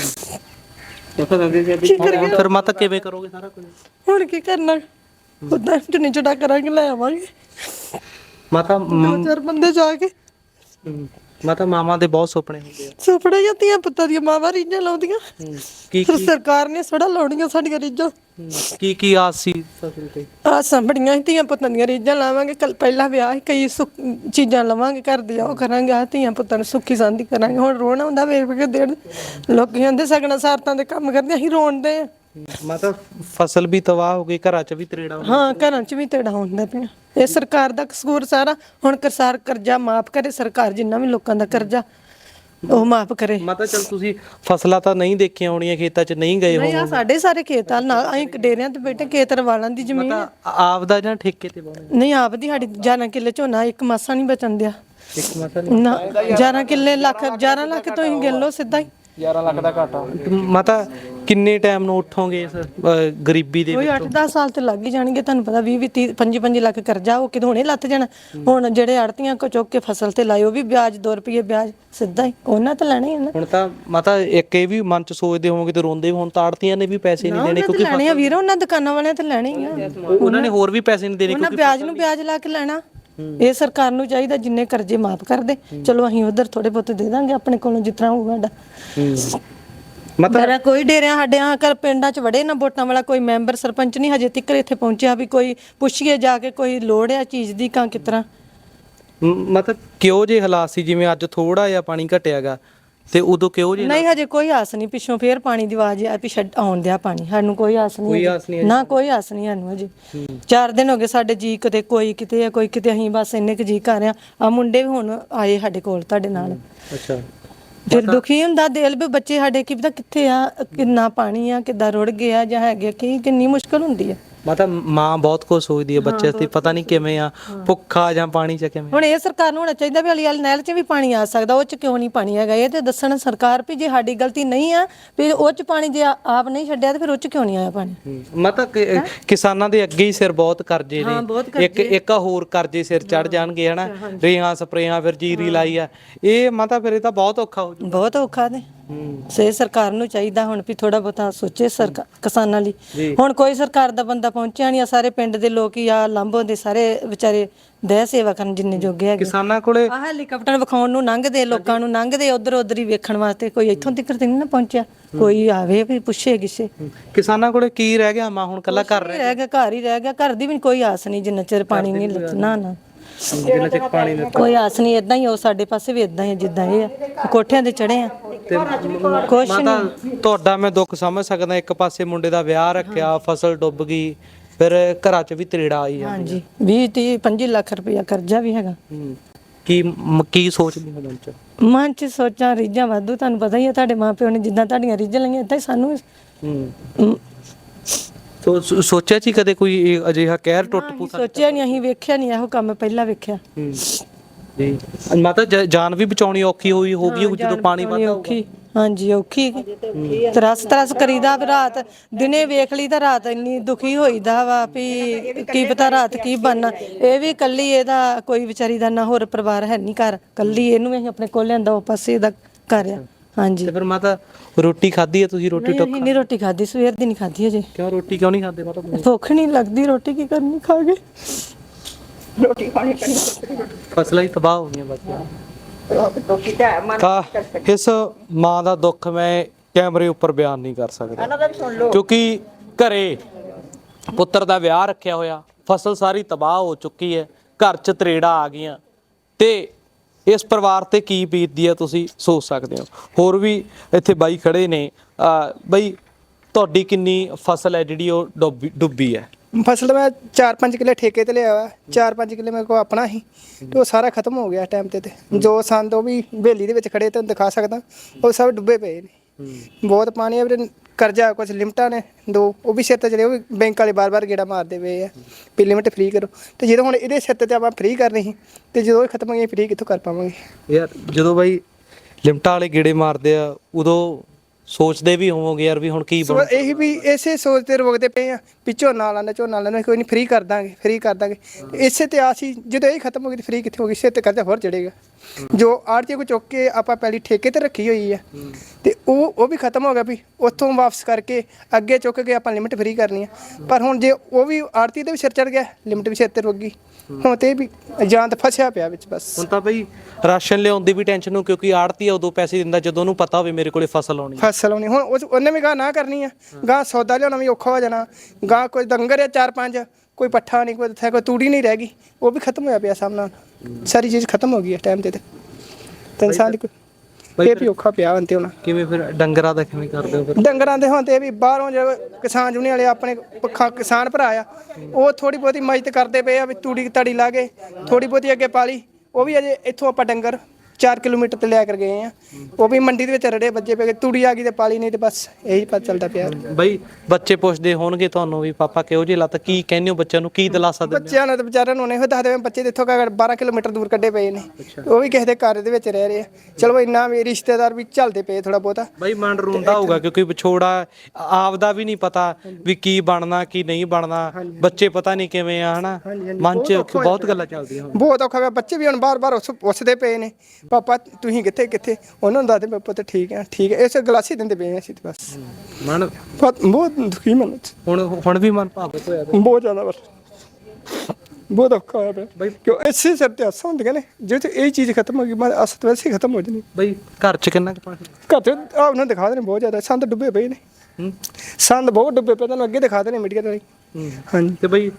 [SPEAKER 1] ਹੁਣ ਫਿਰ ਮਾਤਾ ਕਿਵੇਂ ਕਰੋਗੇ ਸਾਰਾ ਕੁਝ?
[SPEAKER 2] ਹੁਣ ਕੀ ਕਰਨਾ? ਉਦਾਂ ਚੁੰਨੀ ਚੜਾ ਕਰਾਂਗੇ, ਲੈ ਆਵਾਂਗੇ
[SPEAKER 1] ਮਾਤਾ
[SPEAKER 2] ਦੋ ਚਾਰ ਬੰਦੇ ਜਾ ਕੇ।
[SPEAKER 1] ਮਾਤਾ ਮਾਮਾ ਦੇ ਬਹੁਤ ਸੁਪਨੇ ਹੁੰਦੇ ਆ।
[SPEAKER 2] ਸੁਪਨੇ ਜਾਂ ਧੀਆਂ ਪੁੱਤਾਂ ਦੀਆਂ ਮਾਵਾਂ ਰੀਝਾਂ ਲਾਉਂਦੀਆਂ,
[SPEAKER 1] ਕੀ
[SPEAKER 2] ਫਿਰ ਸਰਕਾਰ ਨੇ ਥੋੜਾ ਲਾਉਣੀਆਂ ਸਾਡੀਆਂ ਰੀਝਾਂ।
[SPEAKER 1] ਕੀ ਕੀ ਆਸ ਸੀ ਫਸਲ ਤੇ?
[SPEAKER 2] ਆਸਾਂ ਬੜੀਆਂ ਸੀ, ਧੀਆਂ ਪੁੱਤਾਂ ਦੀਆਂ ਰੀਝਾਂ ਲਾਵਾਂਗੇ। ਕੱਲ ਪਹਿਲਾ ਵਿਆਹ ਸੀ, ਕਈ ਸੁੱਖ ਚੀਜ਼ਾਂ ਲਵਾਂਗੇ ਘਰ ਦੀਆਂ, ਉਹ ਕਰਾਂਗੇ। ਆਹ ਧੀਆਂ ਪੁੱਤਾਂ ਨੂੰ ਸੁੱਖੀ ਸਾਂਦੀ ਕਰਾਂਗੇ। ਹੁਣ ਰੋਣਾ ਹੁੰਦਾ ਵੇਖ ਵੇਖ ਕੇ ਦੇਣ ਲੋਕੀ ਕਹਿੰਦੇ ਸਗਣਾ ਸਾਰਤਾਂ ਦੇ ਕੰਮ ਕਰਦੇ, ਅਸੀਂ ਰੋਣਦੇ ਆ।
[SPEAKER 1] ਮਾਤਾ ਫਸਲ ਵੀ ਤਬਾਹ ਹੋ ਗਈ, ਘਰਾਂ 'ਚ ਵੀ ਤਰੇੜਾ ਹੋ ਗਿਆ।
[SPEAKER 2] ਹਾਂ ਘਰਾਂ 'ਚ ਵੀ ਤੇੜਾ ਹੁੰਦਾ ਪਿਆ। ਇਹ ਸਰਕਾਰ ਦਾ ਕਸੂਰ ਸਾਰਾ। ਹੁਣ ਕਿਸਾਨ ਕਰਜ਼ਾ ਮਾਫ ਕਰੇ ਸਰਕਾਰ, ਜਿੰਨਾ ਵੀ ਲੋਕਾਂ ਦਾ ਕਰਜ਼ਾ ਉਹ ਮਾਫ ਕਰੇ।
[SPEAKER 1] ਮਾਤਾ ਚਲ ਤੁਸੀਂ ਫਸਲਾਂ ਤਾਂ ਨਹੀਂ ਦੇਖੀਆਂ ਹੋਣੀਆਂ, ਖੇਤਾਂ 'ਚ ਨਹੀਂ ਗਏ
[SPEAKER 2] ਨਹੀਂ
[SPEAKER 1] ਹੋ,
[SPEAKER 2] ਆ ਸਾਡੇ ਸਾਰੇ ਖੇਤ ਆ ਨਾਲ, ਅਸੀਂ ਡੇਰਿਆਂ ਤੇ ਬੈਠੇ, ਖੇਤਰ ਵਾਲਾਂ ਦੀ ਜ਼ਮੀਨ ਆ।
[SPEAKER 1] ਆਪ ਦਾ ਜਾਂ ਠੇਕੇ ਤੇ ਪਾਉਣਾ?
[SPEAKER 2] ਨਹੀਂ ਆਪ ਦੀ ਸਾਡੀ ਗਿਆਰਾਂ ਕਿੱਲੇ ਝੋਨਾ, ਇੱਕ ਮਾਸਾ ਨਹੀਂ ਬਚਣ ਦਿਆ
[SPEAKER 1] ਇੱਕ ਮਾਤਾ
[SPEAKER 2] ਨਾ। ਗਿਆਰਾਂ ਕਿੱਲੇ ਲੱਖ, ਗਿਆਰਾਂ ਲੱਖ ਤੋਂ ਹੀ ਗਿਣ ਲਓ ਸਿੱਧਾ ਹੀ।
[SPEAKER 3] ਗਿਆਰਾਂ ਲੱਖ ਦਾ ਘਾਟਾ।
[SPEAKER 1] ਮਾਤਾ ਕਿੰਨੇ ਟਾਈਮ ਨੂੰ ਉੱਠੋਗੇ ਇਸ ਅਹ, ਗਰੀਬੀ ਦੇ
[SPEAKER 2] ਕੋਈ ਅੱਠ ਦਸ ਸਾਲ ਤੇ ਲੱਗ ਹੀ ਜਾਣਗੇ, ਤੁਹਾਨੂੰ ਪਤਾ ਵੀਹ ਵੀਹ ਤੀਹ ਪੰਜੀ ਪੰਜੀ ਲੱਖ ਕਰਜ਼ਾ ਉਹ ਕਿਦੋਂ ਹੁਣੇ ਲੱਥ ਜਾਣਾ। ਹੁਣ ਜਿਹੜੇ ਆੜਤੀਆਂ ਕੋ ਚੁੱਕ ਕੇ ਫਸਲ ਤੇ ਲਾਏ ਉਹ ਵੀ ਵਿਆਜ ਦੋ ਰੁਪਏ ਵਿਆਜ ਸਿੱਧਾ ਹੀ ਉਹਨਾਂ ਤੇ ਲੈਣੇ ਆ ਨਾ।
[SPEAKER 1] ਹੁਣ ਤਾਂ ਮਾਤਾ ਇੱਕ ਇਹ ਵੀ ਮਨ 'ਚ ਸੋਚਦੇ ਹੋਵੋਗੇ ਤੇ ਰੋਂਦੇ ਵੀ, ਹੁਣ ਤਾਂ ਆੜਤੀਆਂ ਨੇ ਵੀ ਪੈਸੇ ਨਹੀਂ ਦੇਣੇ
[SPEAKER 2] ਕਿਉਂਕਿ ਲੈਣੇ ਆ ਵੀਰ, ਉਹਨਾਂ ਦੁਕਾਨਾਂ ਵਾਲਿਆਂ ਤੇ ਲੈਣੇ ਹੀ ਆ।
[SPEAKER 1] ਉਹਨਾਂ ਨੇ ਹੋਰ ਵੀ ਪੈਸੇ ਨਹੀਂ ਦੇਣੇ
[SPEAKER 2] ਉਹਨਾਂ ਵਿਆਜ ਨੂੰ ਵਿਆਜ ਲਾ ਕੇ ਲੈਣਾ। ਇਹ ਸਰਕਾਰ ਨੂੰ ਚਾਹੀਦਾ ਜਿੰਨੇ ਕਰਜ਼ੇ ਮਾਫ ਕਰ ਦੇ, ਚਲੋ ਅਸੀਂ ਉਧਰ ਥੋੜੇ ਬਹੁਤ ਦੇ ਦਾਂਗੇ ਆਪਣੇ ਕੋਲੋਂ ਜਿਸ ਤਰ੍ਹਾਂ ਹੋਊਗਾ ਸਾਡਾ। ਮਤਲਬ ਕੋਈ ਡੇਰਿਆਂ ਸਾਡੇ ਆ ਕਰ ਪਿੰਡਾਂ 'ਚ ਵੜੇ ਨਾ ਵੋਟਾਂ ਵਾਲਾ ਕੋਈ ਮੈਂਬਰ ਸਰਪੰਚ ਨਹੀਂ ਹਜੇ ਤੱਕ ਇੱਥੇ ਪਹੁੰਚਿਆ ਵੀ ਕੋਈ ਪੁੱਛੀਏ ਜਾ ਕੇ ਕੋਈ ਲੋੜ ਆ ਚੀਜ਼ ਦੀ ਕਾਂ ਕਿਸ ਤਰ੍ਹਾਂ।
[SPEAKER 1] ਮਤਲਬ ਕਿਉਂ ਜੇ ਹਾਲਾਤ ਸੀ, ਜਿਵੇਂ ਅੱਜ ਥੋੜਾ ਜਿਹਾ ਪਾਣੀ ਘਟਿਆਗਾ ਤੇ ਉਦੋਂ ਕਿਉਂ ਜੇ?
[SPEAKER 2] ਨਹੀਂ ਹਜੇ ਕੋਈ ਆਸ ਨਹੀਂ, ਪਿੱਛੋਂ ਫੇਰ ਪਾਣੀ ਦੀ ਆਵਾਜ਼ ਆ ਵੀ ਛੱਡ ਆਉਣ ਦਿਆ ਪਾਣੀ, ਸਾਨੂੰ ਕੋਈ ਆਸ ਨਹੀਂ
[SPEAKER 1] ਕੋਈ ਆਸ ਨਹੀਂ
[SPEAKER 2] ਨਾ, ਕੋਈ ਆਸ ਨਹੀਂ ਸਾਨੂੰ ਹਜੇ। ਚਾਰ ਦਿਨ ਹੋ ਗਏ ਸਾਡੇ ਜੀ ਕਿਤੇ ਕੋਈ ਕਿਤੇ ਆ ਕੋਈ ਕਿਤੇ, ਅਸੀਂ ਬਸ ਇੰਨੇ ਕੁ ਜੀ ਕਰ ਆ। ਆ ਮੁੰਡੇ ਵੀ ਹੁਣ ਆਏ ਸਾਡੇ ਕੋਲ ਤੁਹਾਡੇ ਨਾਲ।
[SPEAKER 1] ਅੱਛਾ।
[SPEAKER 2] ਫਿਰ ਦੁਖੀ ਹੁੰਦਾ ਦਿਲ ਵੀ, ਬੱਚੇ ਸਾਡੇ ਕੀ ਪਤਾ ਕਿੱਥੇ ਆ, ਕਿੰਨਾ ਪਾਣੀ ਆ, ਕਿੱਦਾਂ ਰੁੜ ਗਿਆ ਜਾਂ ਹੈਗੇ ਕੀ, ਕਿੰਨੀ ਮੁਸ਼ਕਲ ਹੁੰਦੀ ਆ।
[SPEAKER 1] ਮਾਤਾ ਮਾਂ ਬਹੁਤ ਕੁਝ ਸੋਚਦੀ ਹੈ ਬੱਚੇ ਤੇ, ਪਤਾ ਨਹੀਂ ਕਿਵੇਂ ਆ ਭੁੱਖਾ ਜਾਂ ਪਾਣੀ 'ਚ ਕਿਵੇਂ।
[SPEAKER 2] ਹੁਣ ਇਹ ਸਰਕਾਰ ਨੂੰ ਹੋਣਾ ਚਾਹੀਦਾ ਵੀ ਅਲੀ ਵਾਲੀ ਨਹਿਰ 'ਚ ਵੀ ਪਾਣੀ ਆ ਸਕਦਾ, ਉਹ 'ਚ ਕਿਉਂ ਨਹੀਂ ਪਾਣੀ ਹੈਗਾ। ਇਹ ਤੇ ਦੱਸਣ ਸਰਕਾਰ ਵੀ ਜੇ ਸਾਡੀ ਗਲਤੀ ਨਹੀਂ ਆ ਵੀ ਉਹ 'ਚ ਪਾਣੀ ਜੇ ਆਪ ਨਹੀਂ ਛੱਡਿਆ ਤੇ ਫਿਰ ਉਹ 'ਚ ਕਿਉਂ ਨਹੀਂ ਆਇਆ ਪਾਣੀ।
[SPEAKER 1] ਮਾਤਾ ਕਿਸਾਨਾਂ ਦੇ ਅੱਗੇ ਹੀ ਸਿਰ ਬਹੁਤ ਕਰਜ਼ੇ ਨੇ, ਇੱਕ ਇੱਕ ਹੋਰ ਕਰਜ਼ੇ ਸਿਰ ਚੜ ਜਾਣਗੇ ਹਨਾ, ਰੇਹਾਂ ਸਪਰੇਆਂ ਫਿਰ ਜੀਰੀ ਲਾਈ ਆ ਇਹ ਮਾਤਾ, ਫਿਰ ਇਹ ਤਾਂ ਬਹੁਤ ਔਖਾ ਹੋ ਜੂ।
[SPEAKER 2] ਬਹੁਤ ਔਖਾ ਨੇ। ਸੇ ਸਰਕਾਰ ਨੂੰ ਚਾਹੀਦਾ ਹੁਣ ਵੀ ਥੋੜਾ ਬਹੁਤਾ ਸੋਚੇ ਸਰਕਾਰ ਕਿਸਾਨਾਂ ਲਈ। ਹੁਣ ਕੋਈ ਸਰਕਾਰ ਦਾ ਬੰਦਾ ਪਹੁੰਚਿਆ ਨਹੀਂ ਆ, ਸਾਰੇ ਪਿੰਡ ਦੇ ਲੋਕ ਹੀ ਆ ਲਾਂਭੋ ਦੇ ਸਾਰੇ ਵਿਚਾਰੇ ਦਹਿ ਸੇਵਾ ਕਰਨ ਜਿੰਨੇ ਜੋਗੇ ਹੈਗੇ।
[SPEAKER 1] ਕਿਸਾਨਾਂ ਕੋਲੇ
[SPEAKER 2] ਆਹ ਹੈਲੀਕਾਪਟਰ ਵਿਖਾਉਣ ਨੂੰ ਲੰਘਦੇ, ਲੋਕਾਂ ਨੂੰ ਲੰਘਦੇ ਉਧਰ ਉਧਰ ਹੀ ਵੇਖਣ ਵਾਸਤੇ, ਕੋਈ ਇੱਥੋਂ ਤੱਕ ਤੇ ਨਹੀਂ ਨਾ ਪਹੁੰਚਿਆ, ਕੋਈ ਆਵੇ ਵੀ ਪੁੱਛੇ ਕਿਸੇ।
[SPEAKER 1] ਕਿਸਾਨਾਂ ਕੋਲੇ ਕੀ ਰਹਿ ਗਿਆ ਮਾਂ, ਹੁਣ ਕੱਲਾ ਘਰ
[SPEAKER 2] ਰਹਿ ਗਿਆ, ਘਰ ਹੀ ਰਹਿ ਗਿਆ, ਘਰ ਦੀ ਵੀ ਕੋਈ ਆਸ ਨਹੀਂ ਜਿੰਨਾ ਚਿਰ ਪਾਣੀ ਨਹੀਂ ਲੱਥਣਾ ਨਾ।
[SPEAKER 1] ਜਿੰਨਾ ਚਿਰ ਪਾਣੀ ਦਾ
[SPEAKER 2] ਕੋਈ ਆਸ ਨਹੀਂ, ਇਦਾਂ ਹੀ ਉਹ ਸਾਡੇ ਪਾਸੇ ਵੀ ਇਦਾਂ ਹੀ ਜਿੱਦਾਂ ਇਹ ਆ, ਕੋਠਿਆਂ ਤੇ ਚੜੇ ਆ ਕੁਛ
[SPEAKER 1] ਮਾਤਾ
[SPEAKER 2] ਨਹੀਂ।
[SPEAKER 1] ਤੁਹਾਡਾ ਮੈਂ ਦੁੱਖ ਸਮਝ ਸਕਦਾ, ਇੱਕ ਪਾਸੇ ਮੁੰਡੇ ਦਾ ਵਿਆਹ ਰੱਖਿਆ, ਫਸਲ ਡੁੱਬ ਗਈ, ਫਿਰ ਘਰਾਂ 'ਚ ਵੀ ਤਰੇੜਾ ਆਈ ਜਾਂਦੀ।
[SPEAKER 2] ਹਾਂਜੀ ਵੀਹ ਤੀਹ ਪੰਜੀ ਲੱਖ ਰੁਪਇਆ ਕਰਜ਼ਾ ਵੀ ਹੈਗਾ।
[SPEAKER 1] ਕੀ ਮ- ਕੀ ਸੋਚਦੀ ਹੈ ਮਨ 'ਚ?
[SPEAKER 2] ਮਨ 'ਚ ਸੋਚਾਂ ਰੀਝਾਂ ਵਾਧੂ, ਤੁਹਾਨੂੰ ਪਤਾ ਹੀ ਆ ਤੁਹਾਡੇ ਮਾਪਿਓ ਨੇ ਜਿੱਦਾਂ ਤੁਹਾਡੀਆਂ ਰੀਝਾਂ ਲਈਆਂ ਇਦਾਂ ਹੀ ਸਾਨੂੰ
[SPEAKER 1] ਹੂੰ। ਸੋ ਸੋ- ਸੋਚਿਆ ਸੀ ਕਦੇ ਕੋਈ ਇਹ ਅਜਿਹਾ ਕਹਿਰ ਟੁੱਟ ਪੂ?
[SPEAKER 2] ਸੋਚਿਆ ਨਹੀਂ, ਅਸੀਂ ਵੇਖਿਆ ਨਹੀਂ ਇਹੋ ਕੰਮ, ਪਹਿਲਾਂ ਵੇਖਿਆ।
[SPEAKER 1] ਜੀ ਮਾਤਾ ਜ- ਜਾਨ ਵੀ ਬਚਾਉਣੀ ਔਖੀ ਹੋਈ ਹੋਗੀ ਜਦੋਂ ਪਾਣੀ ਵੱਧਦਾ
[SPEAKER 2] ਔਖੀ। ਹਾਂਜੀ ਔਖੀ, ਤਰਸ ਤਰਸ ਕਰੀਦਾ ਵੀ ਰਾਤ ਦਿਨੇ ਵੇਖ ਲਈ ਤਾਂ ਰਾਤ ਇੰਨੀ ਦੁਖੀ ਹੋਈਦਾ ਵਾ ਵੀ ਕੀ ਪਤਾ ਰਾਤ ਕੀ ਬਣਨਾ। ਇਹ ਵੀ ਕੱਲੀ, ਇਹਦਾ ਕੋਈ ਵਿਚਾਰੀ ਦਾ ਨਾ ਹੋਰ ਪਰਿਵਾਰ ਹੈ ਨਹੀਂ ਘਰ, ਕੱਲੀ ਇਹਨੂੰ ਅਸੀਂ ਆਪਣੇ ਕੋਲ ਲਿਆਂਦਾ, ਉਹ ਪਾਸੇ ਦਾ ਘਰ ਆ। ਹਾਂਜੀ।
[SPEAKER 1] ਤੇ ਫਿਰ ਮਾਤਾ ਰੋਟੀ ਖਾਧੀ ਹੈ ਤੁਸੀਂ? ਰੋਟੀ
[SPEAKER 2] ਨਹੀਂ ਅਸੀਂ ਨਹੀਂ ਰੋਟੀ ਖਾਧੀ, ਸਵੇਰ ਦੀ ਨਹੀਂ ਖਾਧੀ ਅਜੇ।
[SPEAKER 1] ਕਿਉਂ ਰੋਟੀ ਕਿਉਂ ਨਹੀਂ ਖਾਂਦੇ ਮਾਤਾ?
[SPEAKER 2] ਭੁੱਖ ਨਹੀਂ ਲੱਗਦੀ, ਰੋਟੀ ਕੀ ਕਰਨੀ ਖਾ ਕੇ।
[SPEAKER 9] ਰੋਟੀ ਖਾਣੀ ਪੈਣੀ।
[SPEAKER 1] ਫਸਲਾਂ ਹੀ ਤਬਾਹ ਹੋ ਗਈਆਂ ਬੱਚਿਆਂ ਤਾਂ ਇਸ ਮਾਂ ਦਾ ਦੁੱਖ ਮੈਂ ਕੈਮਰੇ ਉੱਪਰ ਬਿਆਨ ਨਹੀਂ ਕਰ ਸਕਦਾ, ਕਿਉਂਕਿ ਘਰੇ ਪੁੱਤਰ ਦਾ ਵਿਆਹ ਰੱਖਿਆ ਹੋਇਆ, ਫਸਲ ਸਾਰੀ ਤਬਾਹ ਹੋ ਚੁੱਕੀ ਹੈ, ਘਰ 'ਚ ਤਰੇੜਾ ਆ ਗਈਆਂ ਤੇ ਇਸ ਪਰਿਵਾਰ ਤੇ ਕੀ ਬੀਤਦੀ ਹੈ ਤੁਸੀਂ ਸੋਚ ਸਕਦੇ ਹੋ। ਹੋਰ ਵੀ ਇੱਥੇ ਬਾਈ ਖੜੇ ਨੇ। ਬਾਈ ਤੁਹਾਡੀ ਕਿੰਨੀ ਫਸਲ ਹੈ ਜਿਹੜੀ ਉਹ ਡੁੱਬੀ ਡੁੱਬੀ ਹੈ?
[SPEAKER 3] ਫਸਲ ਮੈਂ ਚਾਰ ਪੰਜ ਕਿੱਲੇ ਠੇਕੇ ਤੇ ਲਿਆ ਵਾ, ਚਾਰ ਪੰਜ ਕਿੱਲੇ ਮੇਰੇ ਕੋਲ ਆਪਣਾ ਸੀ ਤੇ ਉਹ ਸਾਰਾ ਖਤਮ ਹੋ ਗਿਆ ਟਾਈਮ ਤੇ। ਤੇ ਜੋ ਸੰਦ ਉਹ ਵੀ ਹਵੇਲੀ ਦੇ ਵਿੱਚ ਖੜੇ ਤੁਹਾਨੂੰ ਦਿਖਾ ਸਕਦਾ, ਉਹ ਸਭ ਡੁੱਬੇ ਪਏ ਨੇ। ਬਹੁਤ ਪਾਣੀ ਆ ਵੀਰੇ, ਕਰਜ਼ਾ ਕੁਝ ਲਿਮਟਾਂ ਨੇ ਦੋ, ਉਹ ਵੀ ਸਿਰ ਤੇ ਚੜੇ, ਉਹ ਵੀ ਬੈਂਕ ਵਾਲੇ ਬਾਰ-ਬਾਰ ਗੇੜਾ ਮਾਰਦੇ ਪਏ ਆ ਵੀ ਲਿਮਟ ਫ੍ਰੀ ਕਰੋ। ਤੇ ਜਦੋਂ ਹੁਣ ਇਹਦੇ ਸਿਰ ਤੇ ਆਪਾਂ ਫ੍ਰੀ ਕਰਨੀ ਸੀ ਤੇ ਜਦੋਂ ਇਹ ਖਤਮ ਹੋ ਗਈ ਫ੍ਰੀ ਕਿੱਥੋਂ ਕਰ ਪਾਵਾਂਗੇ
[SPEAKER 1] ਯਾਰ? ਜਦੋਂ ਬਾਈ ਲਿਮਟਾਂ ਵਾਲੇ ਗੇੜੇ ਮਾਰਦੇ ਆ ਉਦੋਂ ਸੋਚਦੇ ਵੀ ਹੋਵੋਗੇ ਯਾਰ ਵੀ ਹੁਣ ਕੀ
[SPEAKER 3] ਸੋ ਇਹੀ ਵੀ ਇਸੇ ਸੋਚ ਤੇ ਰੋਕਦੇ ਪਏ ਆ ਵੀ ਝੋਨਾ ਲਾਣਾ ਝੋਨਾ ਲਾਣਾ ਕੋਈ ਨਹੀਂ ਫ੍ਰੀ ਕਰ ਦਾਂਗੇ ਫ੍ਰੀ ਕਰ ਦਾਂਗੇ। ਇਸੇ ਤੇ ਆਸ ਸੀ, ਜਦੋਂ ਇਹ ਖਤਮ ਹੋ ਗਈ ਫ੍ਰੀ ਕਿੱਥੇ ਹੋ ਗਈ, ਸਿਰ ਤੇ ਕਰਜ਼ਾ ਹੋਰ ਚੜੇਗਾ। ਜੋ ਆੜਤੀ ਕੋ ਚੁੱਕ ਕੇ ਆਪਾਂ ਪਹਿਲੀ ਠੇਕੇ ਤੇ ਰੱਖੀ ਹੋਈ ਆ ਤੇ ਉਹ ਉਹ ਵੀ ਖਤਮ ਹੋ ਗਿਆ ਵੀ ਉੱਥੋਂ ਵਾਪਸ ਕਰਕੇ ਅੱਗੇ ਚੁੱਕ ਕੇ ਆਪਾਂ ਲਿਮਟ ਫ੍ਰੀ ਕਰਨੀ ਆ। ਪਰ ਹੁਣ ਜੇ ਉਹ ਵੀ ਆੜਤੀ ਤੇ ਵੀ ਸਿਰ ਚੜ ਗਿਆ, ਲਿਮਟ ਵੀ ਸਿਰ ਤੇ ਰੁਕ ਗਈ, ਹੁਣ ਤੇ ਵੀ ਜਾਂ ਤਾਂ ਫਸਿਆ ਪਿਆ ਵਿੱਚ ਬਸ।
[SPEAKER 1] ਹੁਣ ਤਾਂ ਬਈ ਰਾਸ਼ਨ ਲਿਆਉਣ ਦੀ ਵੀ ਟੈਨਸ਼ਨ ਹੋ, ਕਿਉਂਕਿ ਆੜਤੀ ਆ ਉਦੋਂ ਪੈਸੇ ਦਿੰਦਾ ਜਦੋਂ ਉਹਨੂੰ ਪਤਾ ਹੋਵੇ ਮੇਰੇ ਕੋਲੇ ਫਸਲ ਆਉਣੀ
[SPEAKER 3] ਫਸਲ ਆਉਣੀ। ਹੁਣ ਉਸ ਉਹਨੇ ਵੀ ਗਾਂ ਨਾ ਕਰਨੀ ਆ, ਗਾਂ ਸੌਦਾ ਲਿਆਉਣਾ ਵੀ ਔਖਾ ਹੋ ਜਾਣਾ, ਗਾਂ ਕੋਈ ਡੰਗਰ ਆ ਚਾਰ ਪੰਜ, ਕੋਈ ਪੱਠਾ ਨਹੀਂ, ਕੋਈ ਇੱਥੇ ਕੋਈ ਤੂੜੀ ਨਹੀਂ ਰਹਿ ਗਈ, ਉਹ ਵੀ ਖਤਮ ਹੋਇਆ ਪਿਆ ਸਾਹਮਣਾ, ਸਾਰੀ ਚੀਜ਼ ਖਤਮ ਹੋ ਗਈ ਹੈ ਟਾਈਮ ਤੇ। ਤਿੰਨ ਸਾਲ ਦੀ ਇਹ ਵੀ ਔਖਾ ਪਿਆ ਹੁਣ ਤੇ ਹੁਣ।
[SPEAKER 1] ਕਿਵੇਂ ਫਿਰ ਡੰਗਰਾਂ ਦਾ ਕਿਵੇਂ ਕਰਦੇ ਹੋ ਫਿਰ?
[SPEAKER 3] ਡੰਗਰਾਂ ਦੇ ਹੁਣ ਤੇ ਵੀ ਬਾਹਰੋਂ ਜਿਹੜੇ ਕਿਸਾਨ ਜੁਨੀ ਵਾਲੇ ਆਪਣੇ ਪੱਖਾ ਕਿਸਾਨ ਭਰਾ ਆ, ਉਹ ਥੋੜੀ ਬਹੁਤੀ ਮਦਦ ਕਰਦੇ ਪਏ ਆ ਵੀ ਤੂੜੀ ਤੜੀ ਲਾ ਕੇ ਥੋੜੀ ਬਹੁਤੀ ਅੱਗੇ ਪਾਲੀ, ਉਹ ਵੀ ਅਜੇ ਇੱਥੋਂ ਆਪਾਂ ਡੰਗਰ ਚਾਰ ਕਿਲੋਮੀਟਰ ਤੇ ਲਿਆ ਕਰ ਗਏ ਆ। ਉਹ ਵੀ ਮੰਡੀ ਦੇ ਵਿੱਚ ਰੜੇ ਬੱਜੇ ਪਏ, ਤੂੜੀ ਆ ਗਈ ਤੇ ਪਾਲੀ ਨਹੀਂ ਤੇ ਬਸ ਇਹੀ ਪਤਾ ਚੱਲਦਾ ਪਿਆ।
[SPEAKER 1] ਬਈ ਬੱਚੇ ਪੁੱਛਦੇ ਹੋਣਗੇ ਤੁਹਾਨੂੰ ਵੀ ਪਾਪਾ ਕਿਹੋ ਜਿਹੀ ਲੱਤ, ਕੀ ਕਹਿੰਦੇ ਹੋ ਬੱਚਿਆਂ ਨੂੰ, ਕੀ ਦਿਲਾਸਾ ਦਿੰਦੇ
[SPEAKER 3] ਬੱਚਿਆਂ ਨੂੰ ਤੇ ਵਿਚਾਰਿਆਂ ਨੂੰ ਇਹੋ ਦੱਸਦੇ ਬੱਚੇ ਦੇਖੋ ਬਾਰਾਂ ਕਿਲੋਮੀਟਰ ਦੂਰ ਕੱਢੇ ਪਏ ਨੇ, ਉਹ ਵੀ ਕਿਸੇ ਦੇ ਘਰ ਦੇ ਵਿੱਚ ਰਹਿ ਰਹੇ ਆ। ਚਲੋ ਇੰਨਾ ਵੀ ਰਿਸ਼ਤੇਦਾਰ ਵੀ ਚੱਲਦੇ ਪਏ ਥੋੜਾ ਬਹੁਤਾ।
[SPEAKER 1] ਬਈ ਮਨ ਰੋਂਦਾ ਹੋਊਗਾ ਕਿਉਂਕਿ ਵਿਛੋੜਾ ਆਪਦਾ ਵੀ ਨਹੀਂ ਪਤਾ ਵੀ ਕੀ ਬਣਨਾ ਕੀ ਨਹੀਂ ਬਣਨਾ, ਬੱਚੇ ਪਤਾ ਨਹੀਂ ਕਿਵੇਂ ਆ ਹਨਾ, ਮਨ 'ਚ ਬਹੁਤ ਗੱਲਾਂ ਚੱਲਦੀਆਂ ਹੁਣ।
[SPEAKER 3] ਬਹੁਤ ਔਖਾ ਹੋਇਆ, ਬੱਚੇ ਵੀ ਹੁਣ ਬਾਰ-ਬਾਰ ਉਸ ਪੁੱਛਦੇ ਪਏ ਨੇ ਪਾਪਾ ਤੁਸੀਂ ਕਿੱਥੇ ਕਿੱਥੇ, ਉਹਨਾਂ ਨੂੰ ਦੱਸਦੇ ਪਾਪਾ ਤੇ ਠੀਕ ਆ ਠੀਕ ਹੈ, ਇਸ ਗਲਾਸੀ ਦਿੰਦੇ ਪਏ ਅਸੀਂ ਤੇ ਬਸ।
[SPEAKER 1] ਮਨ
[SPEAKER 3] ਬਹੁਤ ਬਹੁਤ ਦੁਖੀ ਮਨ ਚ
[SPEAKER 1] ਹੁਣ ਹੁਣ ਵੀ ਮਨ ਭਾਵੁਕ ਹੋਇਆ ਪਿਆ।
[SPEAKER 3] ਬਹੁਤ ਜ਼ਿਆਦਾ ਬਸ ਬਹੁਤ ਔਖਾ ਹੋਇਆ ਪਿਆ ਬਈ, ਕਿਉਂ ਇਸੇ ਸਿਰ ਤੇ ਆਸਾਂ ਹੁੰਦੀਆਂ ਨੇ, ਜੇ ਤੇ ਇਹ ਚੀਜ਼ ਖਤਮ ਹੋ ਗਈ ਮੈਂ ਆਸ ਤਾਂ ਵੈਸੇ ਹੀ ਖਤਮ ਹੋ ਜਾਣੀ।
[SPEAKER 1] ਬਈ ਘਰ 'ਚ ਕਿੰਨਾ ਕੁ ਪਾਣੀ?
[SPEAKER 3] ਘਰ ਤੇ ਆ ਉਹਨਾਂ ਦਿਖਾ ਦੇ ਨੇ ਬਹੁਤ ਜ਼ਿਆਦਾ, ਸੰਦ ਡੁੱਬੇ ਪਏ ਨੇ, ਸੰਦ ਬਹੁਤ ਡੁੱਬੇ ਪਏ, ਤੁਹਾਨੂੰ ਅੱਗੇ ਦਿਖਾ ਦੇ ਨੇ ਮੀਡੀਆ ਤੇ। ਹਾਂਜੀ
[SPEAKER 1] ਤੇ ਬਈ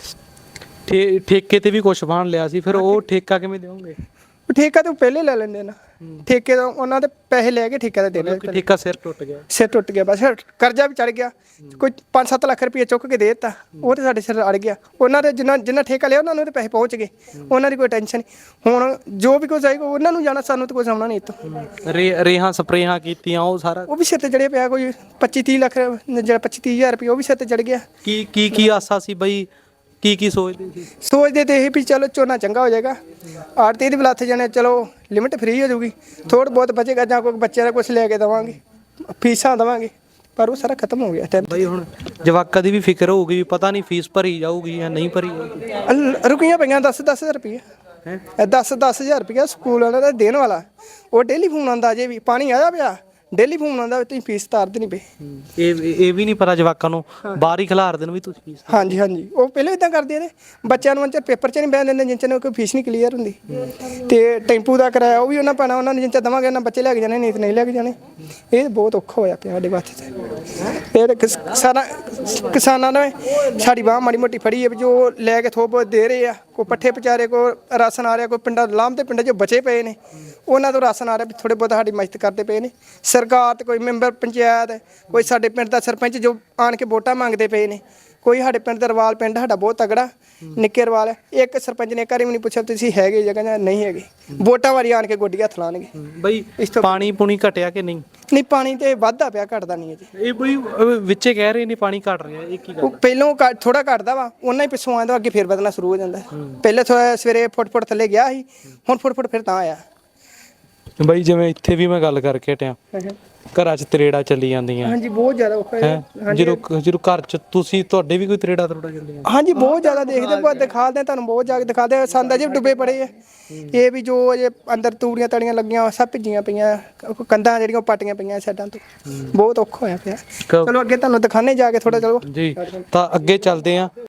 [SPEAKER 1] ਠੇ ਠੇਕੇ ਤੇ ਵੀ ਕੁਛ ਬਾਣ ਲਿਆ ਸੀ, ਫਿਰ ਉਹ ਠੇਕਾ ਕਿਵੇਂ ਦੇਵੋਗੇ?
[SPEAKER 3] ਠੇਕਾ ਤੇ ਪਹਿਲੇ ਲੈ ਲੈਂਦੇ ਨਾ, ਠੇਕੇ ਦਾ ਉਹਨਾਂ ਦੇ ਪੈਸੇ ਲੈ ਕੇ ਠੇਕਾ ਤੇ ਦੇਣਾ।
[SPEAKER 1] ਠੇਕਾ ਸਿਰ ਟੁੱਟ ਗਿਆ,
[SPEAKER 3] ਸਿਰ ਟੁੱਟ ਗਿਆ ਬਸ, ਕਰਜ਼ਾ ਵੀ ਚੜ ਗਿਆ, ਕੋਈ ਪੰਜ ਸੱਤ ਲੱਖ ਰੁਪਏ ਚੁੱਕ ਕੇ ਦੇ ਦਿੱਤਾ, ਉਹ ਤੇ ਸਾਡੇ ਸਿਰ ਅੜ ਗਿਆ। ਉਹਨਾਂ ਦੇ ਜਿੰਨਾ ਜਿੰਨਾ ਠੇਕਾ ਲਿਆ ਉਹਨਾਂ ਨੂੰ ਤੇ ਪੈਸੇ ਪਹੁੰਚ ਗਏ, ਉਹਨਾਂ ਦੀ ਕੋਈ ਟੈਨਸ਼ਨ ਨਹੀਂ। ਹੁਣ ਜੋ ਵੀ ਕੁਝ ਆਏਗਾ ਉਹਨਾਂ ਨੂੰ ਜਾਣਾ, ਸਾਨੂੰ ਤਾਂ ਕੁਝ ਆਉਣਾ ਨਹੀਂ ਇੱਥੋਂ।
[SPEAKER 1] ਰੇ ਰੇਹਾਂ ਸਪਰੇਹਾਂ ਕੀਤੀਆਂ ਉਹ ਸਾਰਾ
[SPEAKER 3] ਉਹ ਵੀ ਸਿਰ ਤੇ ਚੜਿਆ ਪਿਆ, ਕੋਈ ਪੱਚੀ ਤੀਹ ਲੱਖ ਜਿਹੜਾ ਪੱਚੀ ਤੀਹ ਹਜ਼ਾਰ ਰੁਪਏ ਉਹ ਵੀ ਸਿਰ ਤੇ ਚੜ ਗਿਆ।
[SPEAKER 1] ਕੀ ਕੀ ਕੀ ਆਸਾ ਸੀ ਬਈ, ਕੀ ਕੀ ਸੋਚਦੇ ਸੀ?
[SPEAKER 3] ਸੋਚਦੇ ਤੇ ਇਹ ਵੀ ਚਲੋ ਝੋਨਾ ਚੰਗਾ ਹੋ ਜਾਏਗਾ, ਆੜਤੀ ਦੀ ਵੀ ਲੱਥ ਜਾਣੇ, ਚਲੋ ਲਿਮਟ ਫ੍ਰੀ ਹੋ ਜਾਊਗੀ, ਥੋੜ੍ਹਾ ਬਹੁਤ ਬਚੇਗਾ, ਜਾਂ ਕੋਈ ਬੱਚਿਆਂ ਦਾ ਕੁਝ ਲੈ ਕੇ ਦੇਵਾਂਗੇ, ਫੀਸਾਂ ਦੇਵਾਂਗੇ, ਪਰ ਉਹ ਸਾਰਾ ਖਤਮ ਹੋ ਗਿਆ ਟਾਈਮ।
[SPEAKER 1] ਬਈ ਹੁਣ ਜਵਾਕਾਂ ਦੀ ਵੀ ਫਿਕਰ ਹੋਊਗੀ ਵੀ ਪਤਾ ਨਹੀਂ ਫੀਸ ਭਰੀ ਜਾਊਗੀ ਜਾਂ ਨਹੀਂ ਭਰੀ ਜਾਊਗੀ।
[SPEAKER 3] ਰੁਕੀਆਂ ਪਈਆਂ ਦਸ ਦਸ ਹਜ਼ਾਰ ਰੁਪਏ, ਦਸ ਦਸ ਹਜ਼ਾਰ ਰੁਪਇਆ ਸਕੂਲ ਵਾਲਿਆਂ ਦਾ ਦੇਣ ਵਾਲਾ, ਉਹ ਡੇਲੀ ਫੋਨ ਆਉਂਦਾ, ਜੇ ਵੀ ਪਾਣੀ ਆਇਆ ਪਿਆ ਡੇਲੀ ਫੋਨ ਆਉਂਦਾ ਤੁਸੀਂ ਫੀਸ ਤਾਰਦੇ ਨਹੀਂ ਪਏ।
[SPEAKER 1] ਇਹ ਇਹ ਵੀ ਨਹੀਂ ਪਤਾ ਜਵਾਕਾਂ ਨੂੰ ਬਾਹਰ ਹੀ ਖਿਲਾਰ ਦੇਣ ਵੀ ਤੁਸੀਂ ਫੀਸ।
[SPEAKER 3] ਹਾਂਜੀ ਹਾਂਜੀ ਉਹ ਪਹਿਲਾਂ ਇਦਾਂ ਕਰਦੇ ਨੇ, ਬੱਚਿਆਂ ਨੂੰ ਅੰਚਰ ਪੇਪਰ 'ਚ ਨਹੀਂ ਬਹਿਣ ਦਿੰਦੇ ਜਿੰਨ ਚਿਰ ਕੋਈ ਫੀਸ ਨਹੀਂ ਕਲੀਅਰ ਹੁੰਦੀ। ਤੇ ਟੈਂਪੂ ਦਾ ਕਿਰਾਇਆ ਉਹ ਵੀ ਉਹਨਾਂ ਪਾਣਾ, ਉਹਨਾਂ ਨੂੰ ਜਿੰਨ ਚਿਰ ਦੇਵਾਂਗੇ ਉਹਨਾਂ ਬੱਚੇ ਲੈ ਕੇ ਜਾਣੇ, ਨਹੀਂ ਤਾਂ ਨਹੀਂ ਲੈ ਕੇ ਜਾਣੇ। ਇਹ ਬਹੁਤ ਔਖਾ ਹੋਇਆ ਪਿਆ ਸਾਡੇ ਵਾਸਤੇ। ਇਹ ਤਾਂ ਕਿਸ ਸਾਰਾ ਕਿਸਾਨਾਂ ਨੇ ਸਾਡੀ ਬਾਂਹ ਮਾੜੀ ਮੋਟੀ ਫੜੀ ਹੈ, ਜੋ ਲੈ ਕੇ ਥੋੜ੍ਹ ਬਹੁਤ ਦੇ ਰਹੇ ਆ, ਕੋਈ ਪੱਠੇ ਵਿਚਾਰੇ, ਕੋਈ ਰਾਸ਼ਨ ਆ ਰਿਹਾ, ਕੋਈ ਪਿੰਡਾਂ ਲਾਮ ਦੇ ਪਿੰਡਾਂ 'ਚ ਬਚੇ ਪਏ ਨੇ ਉਹਨਾਂ ਤੋਂ ਰਾਸ਼ਨ ਆ ਰਿਹਾ, ਥੋੜ੍ਹੇ ਬਹੁਤ ਸਾਡੀ ਮਦਦ ਕਰਦੇ ਪਏ ਨੇ। ਸਰਕਾਰ ਤੇ ਕੋਈ ਮੈਂਬਰ ਪੰਚਾਇਤ, ਕੋਈ ਸਾਡੇ ਪਿੰਡ ਦਾ ਸਰਪੰਚ ਜੋ ਆਣ ਕੇ ਵੋਟਾਂ ਮੰਗਦੇ ਪਏ ਨੇ, ਕੋਈ ਸਾਡੇ ਪਿੰਡ ਦਾ ਰਵਾਲ, ਪਿੰਡ ਸਾਡਾ ਬਹੁਤ ਤਗੜਾ ਨਿੱਕੇ ਰਵਾਲ ਹੈ, ਇੱਕ ਸਰਪੰਚ ਨੇ ਘਰੇ ਵੀ ਨਹੀਂ ਪੁੱਛਿਆ ਤੁਸੀਂ ਹੈਗੇ ਜਗ੍ਹਾ ਜਾਂ ਨਹੀਂ ਹੈਗੇ, ਵੋਟਾਂ ਵਾਰੀ ਆਣ ਕੇ ਗੋਡੀ ਹੱਥ ਲਾਣਗੇ।
[SPEAKER 1] ਬਈ ਪਾਣੀ ਪੂਣੀ ਘਟਿਆ ਕਿ ਨਹੀਂ?
[SPEAKER 3] ਨਹੀਂ ਪਾਣੀ ਤੇ ਵੱਧਦਾ ਪਿਆ, ਘਟਦਾ ਨਹੀਂ ਹੈ ਜੀ।
[SPEAKER 1] ਇਹ ਬਈ ਵਿੱਚੇ ਕਹਿ ਰਹੇ ਨੇ ਪਾਣੀ ਘਟ ਰਿਹਾ, ਇਹ ਕੀ ਗੱਲ?
[SPEAKER 3] ਉਹ ਪਹਿਲੋਂ ਥੋੜਾ ਘਟਦਾ ਵਾ, ਉਹਨਾਂ ਹੀ ਪਿੱਛੋਂ ਆਉਂਦਾ, ਅੱਗੇ ਫਿਰ ਵਧਣਾ ਸ਼ੁਰੂ ਹੋ ਜਾਂਦਾ। ਪਹਿਲੇ ਥੋੜਾ ਸਵੇਰੇ ਫੁੱਟ ਫੁੱਟ ਥੱਲੇ ਗਿਆ ਸੀ, ਹੁਣ ਫੁੱਟ ਫੁੱਟ ਫਿਰ ਤਾਂ ਆਇਆ।
[SPEAKER 1] ਬਈ ਜਿਵੇਂ ਇੱਥੇ ਵੀ ਮੈਂ ਗੱਲ ਕਰਕੇ ਹਟਿਆ, ਘਰਾਂ 'ਚ ਤਰੇੜਾ ਚੱਲੀ ਜਾਂਦੀਆਂ।
[SPEAKER 3] ਹਾਂਜੀ ਬਹੁਤ ਜ਼ਿਆਦਾ ਔਖਾ ਹੈ।
[SPEAKER 1] ਜਦੋਂ ਜਦੋਂ ਘਰ 'ਚ ਤੁਸੀਂ ਤੁਹਾਡੇ ਵੀ ਕੋਈ ਤਰੇੜਾ ਤਰੋੜਾ ਚੱਲੀਆਂ?
[SPEAKER 3] ਹਾਂਜੀ ਬਹੁਤ ਜ਼ਿਆਦਾ ਦੇਖਦੇ, ਬਹੁਤ ਦਿਖਾਦੇ ਤੁਹਾਨੂੰ, ਬਹੁਤ ਜ਼ਿਆਦਾ ਦਿਖਾਦੇ। ਸੰਦ ਅਜੇ ਡੁੱਬੇ ਪੜੇ ਆ, ਇਹ ਵੀ ਜੋ ਅਜੇ ਅੰਦਰ ਤੂੜੀਆਂ ਤੜੀਆਂ ਲੱਗੀਆਂ ਸਭ ਭਿੱਜੀਆਂ ਪਈਆਂ, ਕੰਧਾਂ ਜਿਹੜੀਆਂ ਪਾਟੀਆਂ ਪਈਆਂ ਸਾਈਡਾਂ ਤੋਂ, ਬਹੁਤ ਔਖਾ ਹੋਇਆ ਪਿਆ। ਚਲੋ ਅੱਗੇ ਤੁਹਾਨੂੰ ਦਿਖਾਣੇ ਜਾ ਕੇ ਥੋੜਾ, ਚਲੋ
[SPEAKER 1] ਜੀ ਤਾਂ ਅੱਗੇ ਚੱਲਦੇ ਆ।